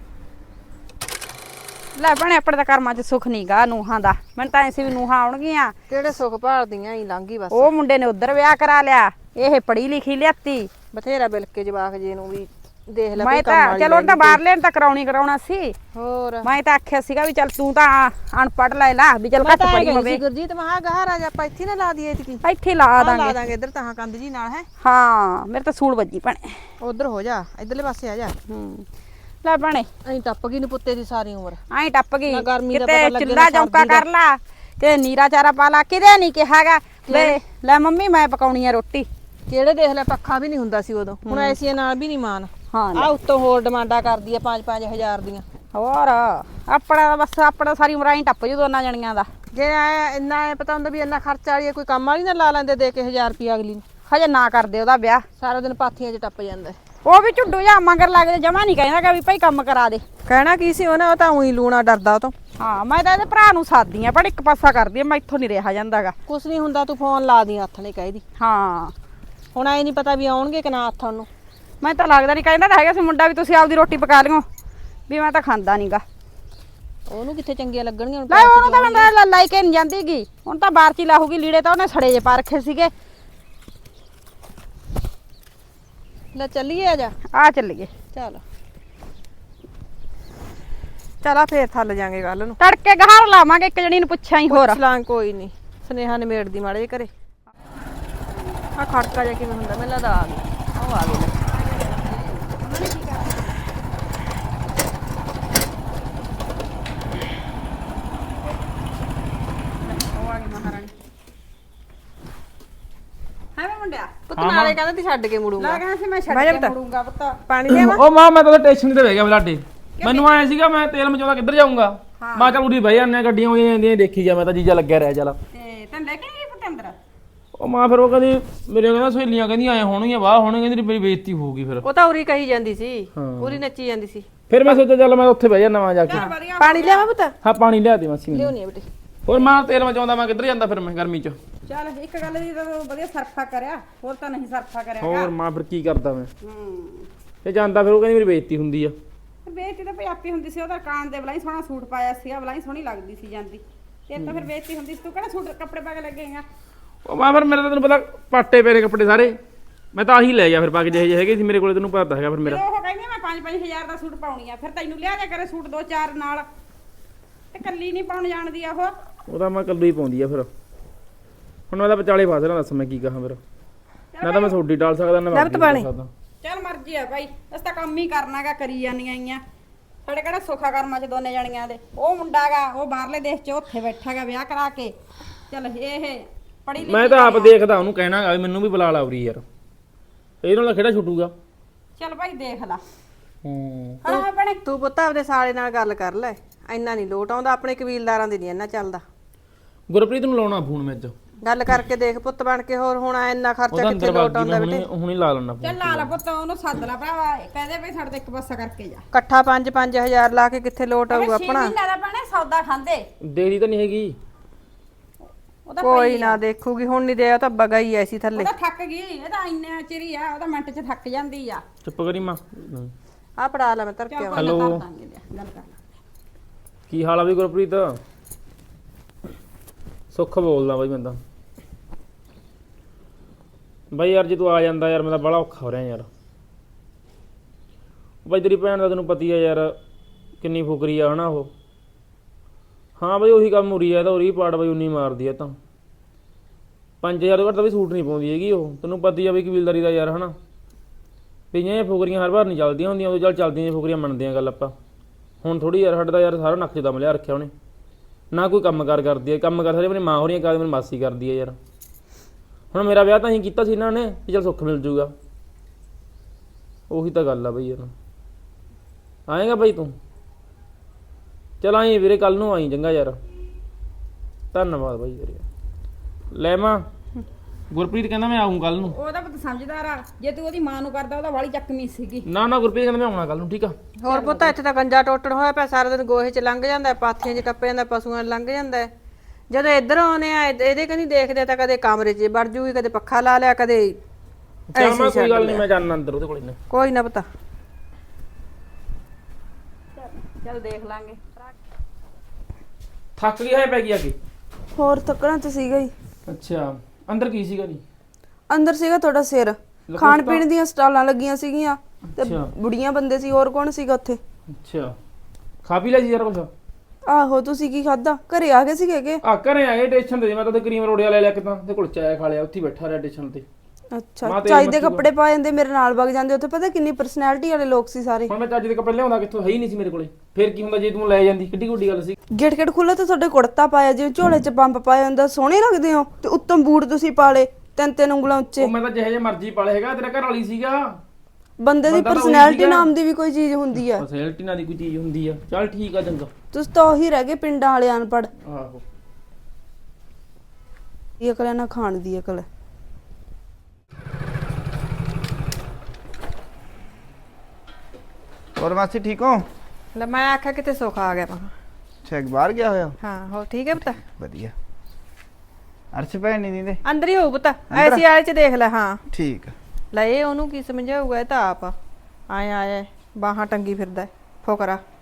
Speaker 2: ਲੈ ਭੈਣੇ ਆਪਣੇ ਤਾਂ ਕਰਮਾਂ 'ਚ ਸੁੱਖ ਨਹੀਂਗਾ ਨੂਹਾਂ ਦਾ। ਮੈਨੂੰ ਤਾਂ ਐਸੀ ਵੀ ਨੂਹਾਂ ਆਉਣਗੀਆਂ।
Speaker 3: ਕਿਹੜੇ ਸੁੱਖ ਭਾਲਦੀਆਂ ਹੀ ਲੰਘੀ ਬਸ।
Speaker 2: ਉਹ ਮੁੰਡੇ ਨੇ ਉਧਰ ਵਿਆਹ ਕਰਾ ਲਿਆ, ਇਹ ਪੜ੍ਹੀ ਲਿਖੀ ਲਿਆਤੀ।
Speaker 3: ਬਥੇਰਾ ਬਿਲਕੇ ਜਵਾਕ ਜੇ ਨੂੰ ਵੀ ਦੇਖ ਲੈ
Speaker 2: ਮੈਂ
Speaker 3: ਕੋਈ ਕੰਮ
Speaker 2: ਤਾਂ
Speaker 3: ਵਾਲੀ
Speaker 2: ਚਲੋ ਉਹਨੂੰ ਤਾਂ ਬਾਹਰ ਲੈਣ ਤਾਂ ਕਰਾਉਣਾ ਸੀ।
Speaker 3: ਹੋਰ
Speaker 2: ਮੈਂ ਤਾਂ ਆਖਿਆ ਸੀਗਾ ਵੀ ਚੱਲ ਤੂੰ ਤਾਂ ਅਨਪੜ੍ਹ ਲੈ ਲਾ ਵੀ ਚੱਲ ਘੱਟ ਪੜੀ ਹੋਵੇ।
Speaker 3: ਗੁਰਜੀਤ ਮਹਾ ਗਾਹ ਰਾਜ ਆਪਾਂ ਇੱਥੇ ਨਾ ਲਾ ਦਈਏ ਇਤਕੀ।
Speaker 2: ਇੱਥੇ ਲਾ
Speaker 3: ਲਾ
Speaker 2: ਦਾਂਗੇ।
Speaker 3: ਦਾਂਗੇ ਇੱਧਰ ਤਾਂ ਕੰਧ ਜੀ ਨਾਲ ਹੈ।
Speaker 2: ਹਾਂ ਮੇਰੇ ਤਾਂ ਸੂਲ ਵੱਜੀ ਭੈਣੇ।
Speaker 3: ਉਧਰ ਹੋ ਜਾ, ਇਧਰਲੇ ਪਾਸੇ ਆ ਜਾ।
Speaker 2: ਲੈ ਭੈਣੇ
Speaker 3: ਅਸੀਂ ਟੱਪ ਗਈ ਨੂੰ ਪੁੱਤੇ ਦੀ ਸਾਰੀ ਉਮਰ।
Speaker 2: ਐਂ ਟੱਪ ਗਈ,
Speaker 3: ਨਾ ਗਰਮੀ ਦਾ
Speaker 2: ਕਿਤੇ
Speaker 3: ਪਤਾ ਲੱਗੇ,
Speaker 2: ਚੁੱਲਾ
Speaker 3: ਨਾ
Speaker 2: ਚੌਂਕਾ
Speaker 3: ਸਰਦੀ ਦਾ।
Speaker 2: ਕਰ ਲਾ, ਕਿਤੇ ਨੀਰਾ ਚਾਰਾ ਪਾ ਲਾ, ਕਿਤੇ ਨਹੀਂ ਕਿਹਾਗਾ ਲੈ ਮੰਮੀ ਮੈਂ ਪਕਾਉਣੀ ਆ ਰੋਟੀ।
Speaker 3: ਕਿਹੜੇ ਦੇਖ ਲੈ ਪੱਖਾ ਵੀ ਨਹੀਂ ਹੁੰਦਾ ਸੀ ਉਦੋਂ, ਹੁਣ ਐਸੀਆਂ ਨਾਲ ਵੀ ਨਹੀਂ ਮਾਨ।
Speaker 2: ਹਾਂ
Speaker 3: ਆ ਉੱਤੋਂ ਹੋਰ ਡਿਮਾਂਡਾਂ ਕਰਦੀ ਆ 5-5 ਹਜ਼ਾਰ ਦੀਆਂ।
Speaker 2: ਹੋਰ ਆਪਣਾ ਬਸ ਆਪਣਾ ਸਾਰੀ ਉਮਰ ਐਂ ਟੱਪ ਜੂ ਦੋਨਾਂ ਜਣੀਆਂ ਦਾ।
Speaker 3: ਜੇ ਇੰਨਾ ਪਤਾ ਹੁੰਦਾ ਵੀ ਇੰਨਾ ਖਰਚਾ ਵਾਲੀ ਕੋਈ ਕੰਮ ਵਾਲੀ ਨਾ ਲਾ ਲੈਂਦੇ ਦੇ ਕੇ 1000 ਰੁਪਿਆ ਅਗਲੀ ਨੂੰ।
Speaker 2: ਹਜੇ ਨਾ ਕਰਦੇ ਉਹਦਾ ਵਿਆਹ,
Speaker 3: ਸਾਰਾ ਦਿਨ ਪਾਥੀਆਂ 'ਚ ਟੱਪ ਜਾਂਦਾ।
Speaker 2: ਉਹ ਵੀ ਝੁੱਡੂ ਜਾ ਮਗਰ ਲੱਗਦੇ, ਜਮਾ ਨਹੀਂ ਕਹਿੰਦਾ ਵੀ ਭਾਈ ਕੰਮ ਕਰਾ ਦੇ।
Speaker 3: ਕਹਿਣਾ ਕੀ ਸੀ ਉਹਨੇ, ਉਹ ਤਾਂ ਉਹੀ ਲੂਣਾ ਡਰਦਾ ਉਹ ਤੋਂ।
Speaker 2: ਹਾਂ ਮੈਂ ਤਾਂ ਇਹਦੇ ਭਰਾ ਨੂੰ ਸਾਦੀ ਆ, ਪਰ ਇੱਕ ਪਾਸਾ ਕਰਦੀ ਆ, ਮੈਂ ਇੱਥੋਂ ਨਹੀਂ ਰਿਹਾ ਜਾਂਦਾਗਾ।
Speaker 3: ਕੁਛ ਨਹੀਂ ਹੁੰਦਾ, ਤੂੰ ਫੋਨ ਲਾ ਦੀ ਹੱਥ ਨੇ ਕਹਿਦੀ।
Speaker 2: ਹਾਂ
Speaker 3: ਹੁਣ ਐ ਨਹੀਂ ਪਤਾ ਵੀ ਆਉਣਗੇ ਕਿ ਨਾ ਹੱਥ ਉਹਨੂੰ।
Speaker 2: ਮੈਂ ਤਾਂ ਲੱਗਦਾ ਨਹੀਂ, ਕਹਿੰਦਾ ਤਾਂ ਹੈਗਾ ਸੀ ਮੁੰਡਾ ਵੀ ਤੁਸੀਂ ਆਪਦੀ ਰੋਟੀ ਪਕਾ ਲਿਓ, ਵੀ ਮੈਂ ਤਾਂ ਖਾਂਦਾ ਨਹੀਂਗਾ।
Speaker 3: ਉਹਨੂੰ ਕਿੱਥੇ ਚੰਗੀਆਂ ਲੱਗਣਗੀਆਂ ਹੁਣ।
Speaker 2: ਲੈ ਉਹਨੂੰ ਤਾਂ ਮੈਂ ਲਾਈ ਕੇ ਨਹੀਂ ਜਾਂਦੀਗੀ, ਹੁਣ ਤਾਂ ਬਾਹਰ ਚ ਹੀ ਲਾਹੂਗੀ। ਲੀੜੇ ਤਾਂ ਉਹਨੇ ਸੜੇ ਜੇ ਪਾ ਰੱਖੇ ਸੀਗੇ।
Speaker 3: ਲੈ ਚੱਲੀਏ, ਆ ਜਾ
Speaker 2: ਆ ਚੱਲੀਏ।
Speaker 3: ਚੱਲ ਚਲਾ ਫੇਰ ਥੱਲ ਜਾਾਂਗੇ ਗੱਲ ਨੂੰ।
Speaker 2: ਤੜਕੇ ਗਹਾਰ ਲਾਵਾਂਗੇ, ਇੱਕ ਜਣੀ ਨੂੰ ਪੁੱਛਾਂ ਹੀ ਹੋਰ।
Speaker 3: ਪੁੱਛ ਲਾਂ, ਕੋਈ ਨਹੀਂ। ਸੁਨੇਹਾ ਨਿਮੇੜਦੀ ਮਾੜੇ ਜਿਹੇ ਘਰੇ। ਆ ਖੜਕਾ ਜਿਹਾ ਕਿਵੇਂ ਹੁੰਦਾ, ਮੈਨੂੰ ਲੱਗਦਾ ਆ ਗਈ। ਉਹ ਆ ਗਈ।
Speaker 2: ਮੁੰਡਿਆ
Speaker 3: ਪੁੱਤ ਨਾਲੇ ਕਹਿੰਦਾ ਤੀ ਛੱਡ ਕੇ ਮੁੜੂੰਗਾ।
Speaker 2: ਲਾ ਕਹਿੰਦਾ ਸੀ ਮੈਂ ਛੱਡ ਕੇ ਮੁੜੂੰਗਾ ਪੁੱਤ।
Speaker 3: ਪਾਣੀ ਦੇਵਾਂ?
Speaker 1: ਉਹ ਮਾਂ ਮੈਂ ਤਾਂ ਸਟੇਸ਼ਨ ਤੇ ਬਹਿ ਗਿਆ ਬਲਾਡੇ। ਮੈਨੂੰ ਆਇਆ ਸੀਗਾ ਮੈਂ ਤੇਲ ਮਚਾਉਂਦਾ ਕਿੱਧਰ ਜਾਊਂਗਾ। ਮੈਂ ਚੱਲ ਉਰੀ ਬਹਿ ਜਾਂਦੇ, ਗੱਡੀਆਂ ਹੋਈਆਂ ਜਾਂਦੀਆਂ ਦੇਖੀ ਜਾ। ਮੈਂ ਤਾਂ ਜੀਜਾ ਲੱਗਿਆ ਰਿਹਾ ਚੱਲ।
Speaker 2: ਤੇ ਤੈਨੂੰ ਲੈ ਕੇ ਨਹੀਂ ਗਈ ਪੁੱਤ ਅੰਦਰ?
Speaker 1: ਉਹ ਮਾਂ ਫਿਰ ਉਹ ਕਹਿੰਦੀ ਮੇਰੇ ਕਹਿੰਦਾ ਸਹੇਲੀਆਂ ਕਹਿੰਦੀਆਂ ਆਏ ਹੋਣਗੀਆਂ ਵਾਹ ਹੋਣਗੇ, ਕਹਿੰਦੀ ਮੇਰੀ ਬੇਇੱਜ਼ਤੀ ਹੋਊਗੀ। ਫਿਰ
Speaker 3: ਉਹ ਤਾਂ ਉਰੀ ਕਹੀ ਜਾਂਦੀ ਸੀ, ਉਰੀ ਨੱਚੀ ਜਾਂਦੀ ਸੀ।
Speaker 1: ਫਿਰ ਮੈਂ ਸੋਚਿਆ ਚੱਲ ਮੈਂ ਉੱਥੇ ਬਹਿ ਜਾਣਾ ਵਾ ਜਾ ਕੇ।
Speaker 3: ਪਾਣੀ ਲਿਆਵਾਂ ਪੁੱਤ?
Speaker 1: ਹਾਂ ਪਾਣੀ ਲਿਆ ਦੇ ਮਾਸੀ ਮੈਨੂੰ।
Speaker 3: ਲਿਆਉਣੀ ਆ ਬੇਟੇ।
Speaker 1: ਹੋਰ ਮਾਂ ਤੇਲ ਮਚਾਉਂਦਾ ਮੈਂ ਕਿੱਧਰ ਜਾਂਦਾ ਫਿਰ ਮੈਂ ਗਰਮੀ ਚ।
Speaker 2: ਚੱਲ ਇੱਕ ਗੱਲ ਦੀ ਤਾਂ ਵਧੀਆ ਸਰਫਾ ਕਰਿਆ, ਹੋਰ ਤਾਂ ਨਹੀਂ ਸਰਫਾ ਕਰਿਆ।
Speaker 1: ਹੋਰ ਮਾਂ ਫਿਰ ਕੀ ਕਰਦਾ ਮੈਂ। ਇਹ ਜਾਂਦਾ ਫਿਰ ਉਹ ਕਹਿੰਦੀ ਮੇਰੀ ਬੇਇੱਜ਼ਤੀ ਹੁੰਦੀ ਆ।
Speaker 2: ਬੇਇੱਜ਼ਤੀ ਤਾਂ ਭਈ ਆਪੀ ਹੁੰਦੀ ਸੀ। ਉਹਦਾ ਕਾਨ ਦੇ ਬਲਾਈ ਸੋਹਣਾ ਸੂਟ ਪਾਇਆ ਸੀਗਾ, ਬਲਾਈ ਸੋਹਣੀ ਲੱਗਦੀ ਸੀ ਜਾਂਦੀ। ਤੇ ਤਾਂ ਫਿਰ ਬੇਇੱਜ਼ਤੀ ਹੁੰਦੀ ਸੀ। ਤੂੰ ਕਿਹੜਾ ਸੂਟ ਕੱਪੜੇ ਪਾ ਕੇ ਲੱਗੇਗਾ?
Speaker 1: ਉਹ ਮਾਂ ਫਿਰ ਮੇਰੇ ਤਾਂ ਤੈਨੂੰ ਪਤਾ ਪਾਟੇ ਪਏ ਨੇ ਕੱਪੜੇ ਸਾਰੇ। ਮੈਂ ਤਾਂ ਆਹੀ ਲੈ ਗਿਆ ਫਿਰ ਪਾ ਕੇ ਜਿਹੇ ਹੈਗੇ ਸੀ ਮੇਰੇ ਕੋਲੇ। ਤੈਨੂੰ ਪਤਾ ਹੈਗਾ ਫਿਰ ਮੇਰਾ।
Speaker 2: ਉਹ ਕਹਿੰਦੀ ਮੈਂ 5-5 ਹਜ਼ਾਰ ਦਾ ਸੂਟ ਪਾਉਣੀ ਆ, ਫਿਰ ਤੈਨੂੰ ਲਿਆ ਦੇ ਕਰੇ ਸੂਟ 2-4 ਨਾਲ। ਤੇ ਕੱਲੀ ਨਹੀਂ ਪਾਉਣ ਜਾਣਦੀ ਆ ਉਹ
Speaker 1: ਤਾਂ ਮੈਂ ਕੱਲੂ ਹੀ ਪਾਉਂਦੀ ਆ। ਫਿਰ ਹੁਣ ਉਹਦਾ ਵਿਚਾਲੇ ਫਸ ਰਿਹਾ, ਦੱਸ ਮੈਂ ਕੀ ਕਹਾਂ ਫਿਰ। ਨਾ ਤਾਂ ਮੈਂ ਤੁਹਾਡੀ ਟਾਲ ਸਕਦਾ ਨਾ ਮੈਂ ਸਕਦਾ।
Speaker 2: ਚੱਲ ਮਰਜ਼ੀ ਆ ਭਾਈ, ਅਸੀਂ ਤਾਂ ਕੰਮ ਹੀ ਕਰਨਾਗਾ, ਕਰੀ ਜਾਂਦੀਆਂ ਆਈਆਂ। ਸਾਡੇ ਕਿਹੜਾ ਸੁੱਖਾ ਕਰਮਾਂ ਚ ਦੋਨੇ ਜਣੀਆਂ ਦੇ। ਉਹ ਮੁੰਡਾਗਾ ਉਹ ਬਾਹਰਲੇ ਦੇਸ਼ ਚ ਉੱਥੇ ਬੈਠਾਗਾ ਵਿਆਹ ਕਰਾ ਕੇ। ਚੱਲ ਇਹ ਪੜੀ
Speaker 1: ਮੈਂ ਤਾਂ ਆਪ ਦੇਖਦਾ ਉਹਨੂੰ ਕਹਿਣਾਗਾ ਵੀ ਮੈਨੂੰ ਵੀ ਬੁਲਾ ਲਾ ਉਰੀ ਯਾਰ, ਇਹ ਨਾਲ ਕਿਹੜਾ ਛੁੱਟੂਗਾ।
Speaker 2: ਚੱਲ ਭਾਈ ਦੇਖ ਲਾ।
Speaker 1: ਹਾਂ
Speaker 2: ਭੈਣੇ
Speaker 3: ਤੂੰ ਪੁੱਤ ਆਪਦੇ ਸਾਲੇ ਨਾਲ ਗੱਲ ਕਰ ਲੈ, ਇੰਨਾ ਨਹੀਂ ਲੋਟ ਆਉਂਦਾ। ਆਪਣੇ ਕਬੀਲਦਾਰਾਂ ਦੇ ਨਹੀਂ ਇੰਨਾ ਚੱਲਦਾ।
Speaker 1: ਗੁਰਪ੍ਰੀਤ ਨੂੰ ਲਾਉਣਾ ਫੋਨ ਮੈਂ ਅੱਜ
Speaker 3: ਗੱਲ ਕਰਕੇ ਦੇਖ ਪੁੱਤ ਬਣ ਕੇ। ਹੋਰ ਹੁਣ ਇੰਨਾ ਖਰਚਾ ਕਿੱਥੇ ਲੋਟ ਆਉਂਦਾ ਬੇਟੇ।
Speaker 1: ਹੁਣੀ ਲਾ ਲੈਣਾ
Speaker 2: ਚੱਲ ਲਾ ਲਾ ਪੁੱਤ, ਉਹਨੂੰ ਸੱਦ ਲਾ ਭਰਾਵਾ, ਕਹਦੇ ਭਾਈ ਸਾਡੇ ਤੇ ਇੱਕ ਪਾਸਾ ਕਰਕੇ ਜਾ।
Speaker 3: ਇਕੱਠਾ 5-5 ਹਜ਼ਾਰ ਲਾ ਕੇ ਕਿੱਥੇ ਲੋਟ ਆਊਗਾ ਆਪਣਾ।
Speaker 2: ਮਹੀਨਾ ਦਾ ਭੈਣੇ ਸੌਦਾ ਖਾਂਦੇ
Speaker 1: ਦੇਰੀ ਤਾਂ ਨਹੀਂ ਹੈਗੀ।
Speaker 2: ਉਹਦਾ
Speaker 3: ਕੋਈ ਨਾ ਦੇਖੂਗੀ, ਹੁਣ ਨਹੀਂ ਦੇ। ਉਹ ਤਾਂ ਬਗਾ ਹੀ ਐਸੀ ਥੱਲੇ।
Speaker 2: ਉਹਦਾ ਥੱਕ ਗਈ, ਇਹ ਤਾਂ ਇੰਨਾ ਚਿਰ ਹੀ ਆ, ਉਹਦਾ ਮਿੰਟ ਚ ਥੱਕ ਜਾਂਦੀ ਆ।
Speaker 1: ਚੁੱਪ ਕਰੀ ਮਾਂ।
Speaker 3: ਆ ਪੜਾ ਲੈ, ਮੈਂ ਧਰ ਕੇ ਆਵਾਂ।
Speaker 1: ਹੈਲੋ
Speaker 2: ਗੱਲ ਕਰ
Speaker 1: ਕੀ ਹਾਲ ਆ ਬਈ ਗੁਰਪ੍ਰੀਤ? ਸੁੱਖ ਬੋਲਦਾ ਬਾਈ ਬੰਦਾ। ਬਾਈ ਯਾਰ ਜੇ ਤੂੰ ਆ ਜਾਂਦਾ ਯਾਰ, ਮੈਂ ਤਾਂ ਬੜਾ ਔਖਾ ਹੋ ਰਿਹਾ ਯਾਰ। ਬਾਈ ਤੇਰੀ ਭੈਣ ਦਾ ਤੈਨੂੰ ਪਤੀ ਆ ਯਾਰ, ਕਿੰਨੀ ਫੁਕਰੀ ਆ ਹਨਾ ਉਹ। ਹਾਂ ਬਈ ਉਹੀ ਕੰਮ ਹੋ ਰਹੀ ਹੈ ਤਾਂ ਉਹੀ ਪਾੜ ਬਈ ਉਨੀ ਮਾਰਦੀ ਹੈ ਤਾਂ 5000 ਤੋਂ ਘੱਟ ਤਾਂ ਵੀ ਸੂਟ ਨਹੀਂ ਪਾਉਂਦੀ ਹੈਗੀ ਉਹ। ਤੈਨੂੰ ਪਤਾ ਹੀ ਆ ਬਈ ਕਬੀਲਦਾਰੀ ਦਾ ਯਾਰ ਹਨਾ। ਪਈਆਂ ਇਹ ਫੁਕਰੀਆਂ ਹਰ ਵਾਰ ਨਹੀਂ ਚੱਲਦੀਆਂ ਹੁੰਦੀਆਂ, ਉਦੋਂ ਚੱਲ ਚੱਲਦੀਆਂ ਨੇ ਫੁਕਰੀਆਂ ਮੰਨਦੇ ਆ ਗੱਲ ਆਪਾਂ। ਹੁਣ ਥੋੜੀ ਯਾਰ ਸਾਡਾ ਯਾਰ ਸਾਰਾ ਨੱਕ 'ਚ ਦਮ ਲਿਆ ਰੱਖਿਆ ਉਹਨੇ, ਨਾ ਕੋਈ ਕੰਮ ਕਾਰ ਕਰਦੀ ਹੈ। ਕੰਮ ਕਰ ਸਾਰੇ ਮੇਰੀ ਮਾਂ ਹੋ ਰਹੀਆਂ ਕਰਦੇ, ਮੇਰੀ ਮਾਸੀ ਕਰਦੀ ਹੈ ਯਾਰ। ਹੁਣ ਮੇਰਾ ਵਿਆਹ ਤਾਂ ਅਸੀਂ ਕੀਤਾ ਸੀ ਇਹਨਾਂ ਨੇ ਕਿ ਚੱਲ ਸੁੱਖ ਮਿਲ ਜੂਗਾ, ਉਹੀ ਤਾਂ ਗੱਲ ਆ ਬਈ ਯਾਰ। ਆਏਗਾ ਬਈ ਤੂੰ? ਚਲ ਆਈ ਵੀਰੇ, ਕੱਲ ਨੂੰ ਆਈ ਚੰਗਾ ਯਾਰ। ਧੰਨਵਾਦ ਬਾਈ ਯਾਰ। ਲੈ ਮਾਂ, ਗੁਰਪ੍ਰੀਤ ਕਹਿੰਦਾ ਮੈਂ ਆਊਂ ਕੱਲ ਨੂੰ।
Speaker 2: ਉਹਦਾ ਪੁੱਤ ਸਮਝਦਾਰ ਆ, ਜੇ ਤੂੰ ਉਹਦੀ ਮਾਂ ਨੂੰ ਕਰਦਾ ਉਹਦਾ ਵਾਲੀ ਚੱਕਵੀਂ ਸੀਗੀ।
Speaker 1: ਨਾ ਨਾ ਗੁਰਪ੍ਰੀਤ ਕਹਿੰਦਾ ਮੈਂ ਆਉਣਾ ਕੱਲ ਨੂੰ, ਠੀਕ ਆ।
Speaker 3: ਹੋਰ ਪੁੱਤ ਇੱਥੇ ਤਾਂ ਗੰਜਾ ਟੋਟਣ ਹੋਇਆ ਪਿਆ, ਸਾਰਾ ਦਿਨ ਗੋਹੇ 'ਚ ਲੰਘ ਜਾਂਦਾ, ਪਾਥੀਆਂ 'ਚ ਟੱਪ ਜਾਂਦਾ, ਪਸ਼ੂਆਂ 'ਚ ਲੰਘ ਜਾਂਦਾ। ਜਦੋਂ ਇੱਧਰ ਆਉਨੇ ਆ ਇਹਦੇ ਕਨੀ ਦੇਖਦੇ ਤਾਂ ਕਦੇ ਕਮਰੇ 'ਚ ਵੜ ਜੂਗੀ, ਕਦੇ ਪੱਖਾ ਲਾ ਲਿਆ, ਕਦੇ
Speaker 1: ਚੱਲ ਮੈਂ ਕੋਈ ਗੱਲ ਨਹੀਂ, ਮੈਂ ਜਾਣਾ ਅੰਦਰ ਉਹਦੇ ਕੋਲ ਨੇ।
Speaker 3: ਕੋਈ ਨਾ ਪਤਾ।
Speaker 2: ਚੱਲ ਦੇਖ ਲਾਂਗੇ।
Speaker 1: ਥੱਕ ਗਿਆ ਹੈ ਪੈ ਗਿਆ ਕਿ?
Speaker 4: ਹੋਰ ਥੱਕਣਾ ਤਾਂ ਸੀਗਾ ਹੀ।
Speaker 1: ਅੱਛਾ, ਅੰਦਰ ਕੀ ਸੀਗਾ ਜੀ?
Speaker 4: ਅੰਦਰ ਸੀਗਾ ਤੁਹਾਡਾ ਸਿਰ, ਖਾਣ ਪੀਣ ਦੀਆਂ ਸਟਾਲਾਂ ਲੱਗੀਆਂ ਸੀਗੀਆਂ ਤੇ ਬੁੜੀਆਂ ਬੰਦੇ ਸੀ, ਹੋਰ ਕੌਣ ਸੀਗਾ ਉੱਥੇ?
Speaker 1: ਅੱਛਾ, ਖਾ ਪੀ ਲਿਆ ਜੀ ਯਾਰ ਕੁਛ?
Speaker 4: ਆਹੋ, ਤੁਸੀਂ ਕੀ ਖਾਦਾ? ਘਰੇ ਆ ਗਏ ਸੀਗੇ ਕਿ?
Speaker 1: ਆ ਘਰੇ ਆਏ ਸਟੇਸ਼ਨ ਤੇ, ਮੈਂ ਤਾਂ ਤੇ ਕਰੀਮ ਰੋੜਿਆ ਲੈ ਲਿਆ ਕਿਤਾਂ ਤੇ ਕੁਲਚਾ ਆਇਆ ਖਾ ਲਿਆ, ਉੱਥੇ ਹੀ ਬੈਠਾ ਰਿਹਾ ਸਟੇਸ਼ਨ ਤੇ।
Speaker 4: ਅੱਛਾ, ਚਾਈ ਦੇ ਕੱਪੜੇ ਪਾ ਜਾਂਦੇ, ਮੇਰੇ ਨਾਲ ਵਗ ਜਾਂਦੇ। ਉੱਥੇ ਪਤਾ ਕਿੰਨੀ ਪਰਸਨੈਲਿਟੀ ਵਾਲੇ ਲੋਕ ਸੀ ਸਾਰੇ।
Speaker 1: ਹੁਣ ਮੈਂ ਚੱਜ ਦੇ ਕੱਪੜੇ ਲਿਆਉਂਦਾ ਕਿੱਥੋਂ? ਹੈ ਹੀ ਨਹੀਂ ਸੀ ਮੇਰੇ ਕੋਲੇ। ਫੇਰ ਕੀ ਹੁੰਦਾ ਜੇ ਤੂੰ ਲੈ ਜਾਂਦੀ? ਕਿੱਡੀ ਵੱਡੀ ਗੱਲ ਸੀ।
Speaker 4: ਗੇਟ ਖੁੱਲ੍ਹਾ ਤੇ ਤੁਹਾਡੇ ਕੁੜਤਾ ਪਾਇਆ, ਜਿਵੇਂ ਝੋਲੇ 'ਚ ਪੰਪ ਪਾਇਆ ਹੁੰਦਾ, ਸੋਹਣੇ ਲੱਗਦੇ ਹੋ। ਤੇ ਉੱਤੋਂ ਬੂਟ ਤੁਸੀਂ ਪਾ ਲਏ 3-3 ਉਂਗਲਾਂ ਉੱਚੇ।
Speaker 1: ਉਹ ਮੈਂ ਤਾਂ ਜਿਹੇ ਜਿਹੇ ਮਰਜ਼ੀ ਪਾਲੇ ਹੈਗਾ, ਤੇਰਾ ਘਰ ਵਾਲੀ ਸੀਗਾ।
Speaker 4: ਬੰਦੇ ਦੀ ਪਰਸਨੈਲਿਟੀ ਨਾਮ ਦੀ ਵੀ ਕੋਈ ਚੀਜ਼ ਹੁੰਦੀ ਆ।
Speaker 1: ਪਰਸਨੈਲਿਟੀ ਨਾਲ ਦੀ ਕੋਈ ਚੀਜ਼ ਹੁੰਦੀ ਆ। ਚੱਲ ਠੀਕ ਆ, ਚੰਗਾ।
Speaker 4: ਤੁਸੀਂ ਤਾਂ ਉਹੀ ਰਹਿ ਗਏ ਪਿੰਡਾਂ ਵਾਲੇ ਅਨਪੜ੍ਹ।
Speaker 1: ਆਹੋ,
Speaker 4: ਇਹ ਅਕਲ ਨਾ ਖਾਣ ਦੀ ਅਕਲ।
Speaker 5: ਹੋਰ ਮਾਸੀ ਠੀਕ ਹੋ?
Speaker 3: ਲੈ ਮੈਂ ਆਖਿਆ ਕਿਤੇ ਸੁੱਖ ਆ ਗਿਆ।
Speaker 5: ਅੱਛਾ, ਬਾਹਰ ਗਿਆ ਹੋਇਆ?
Speaker 3: ਹਾਂ, ਹੋ ਠੀਕ ਹੈ ਪੁੱਤ?
Speaker 5: ਵਧੀਆ। ਅਰਸ਼ ਭੈਣ ਨਹੀਂ ਦਿੰਦੇ?
Speaker 3: ਅੰਦਰ ਹੀ ਹੋਊ ਪੁੱਤ, ਐਸੀ ਵਾਲੇ 'ਚ ਦੇਖ ਲੈ। ਹਾਂ
Speaker 5: ਠੀਕ ਆ।
Speaker 3: ਲੈ ਇਹ ਉਹਨੂੰ ਕੀ ਸਮਝਾਊਗਾ, ਇਹ ਤਾਂ ਆਪ ਆਇਆ ਆਇਆ ਬਾਹਾਂ ਟੰਗੀ ਫਿਰਦਾ ਫੋਕਰਾ।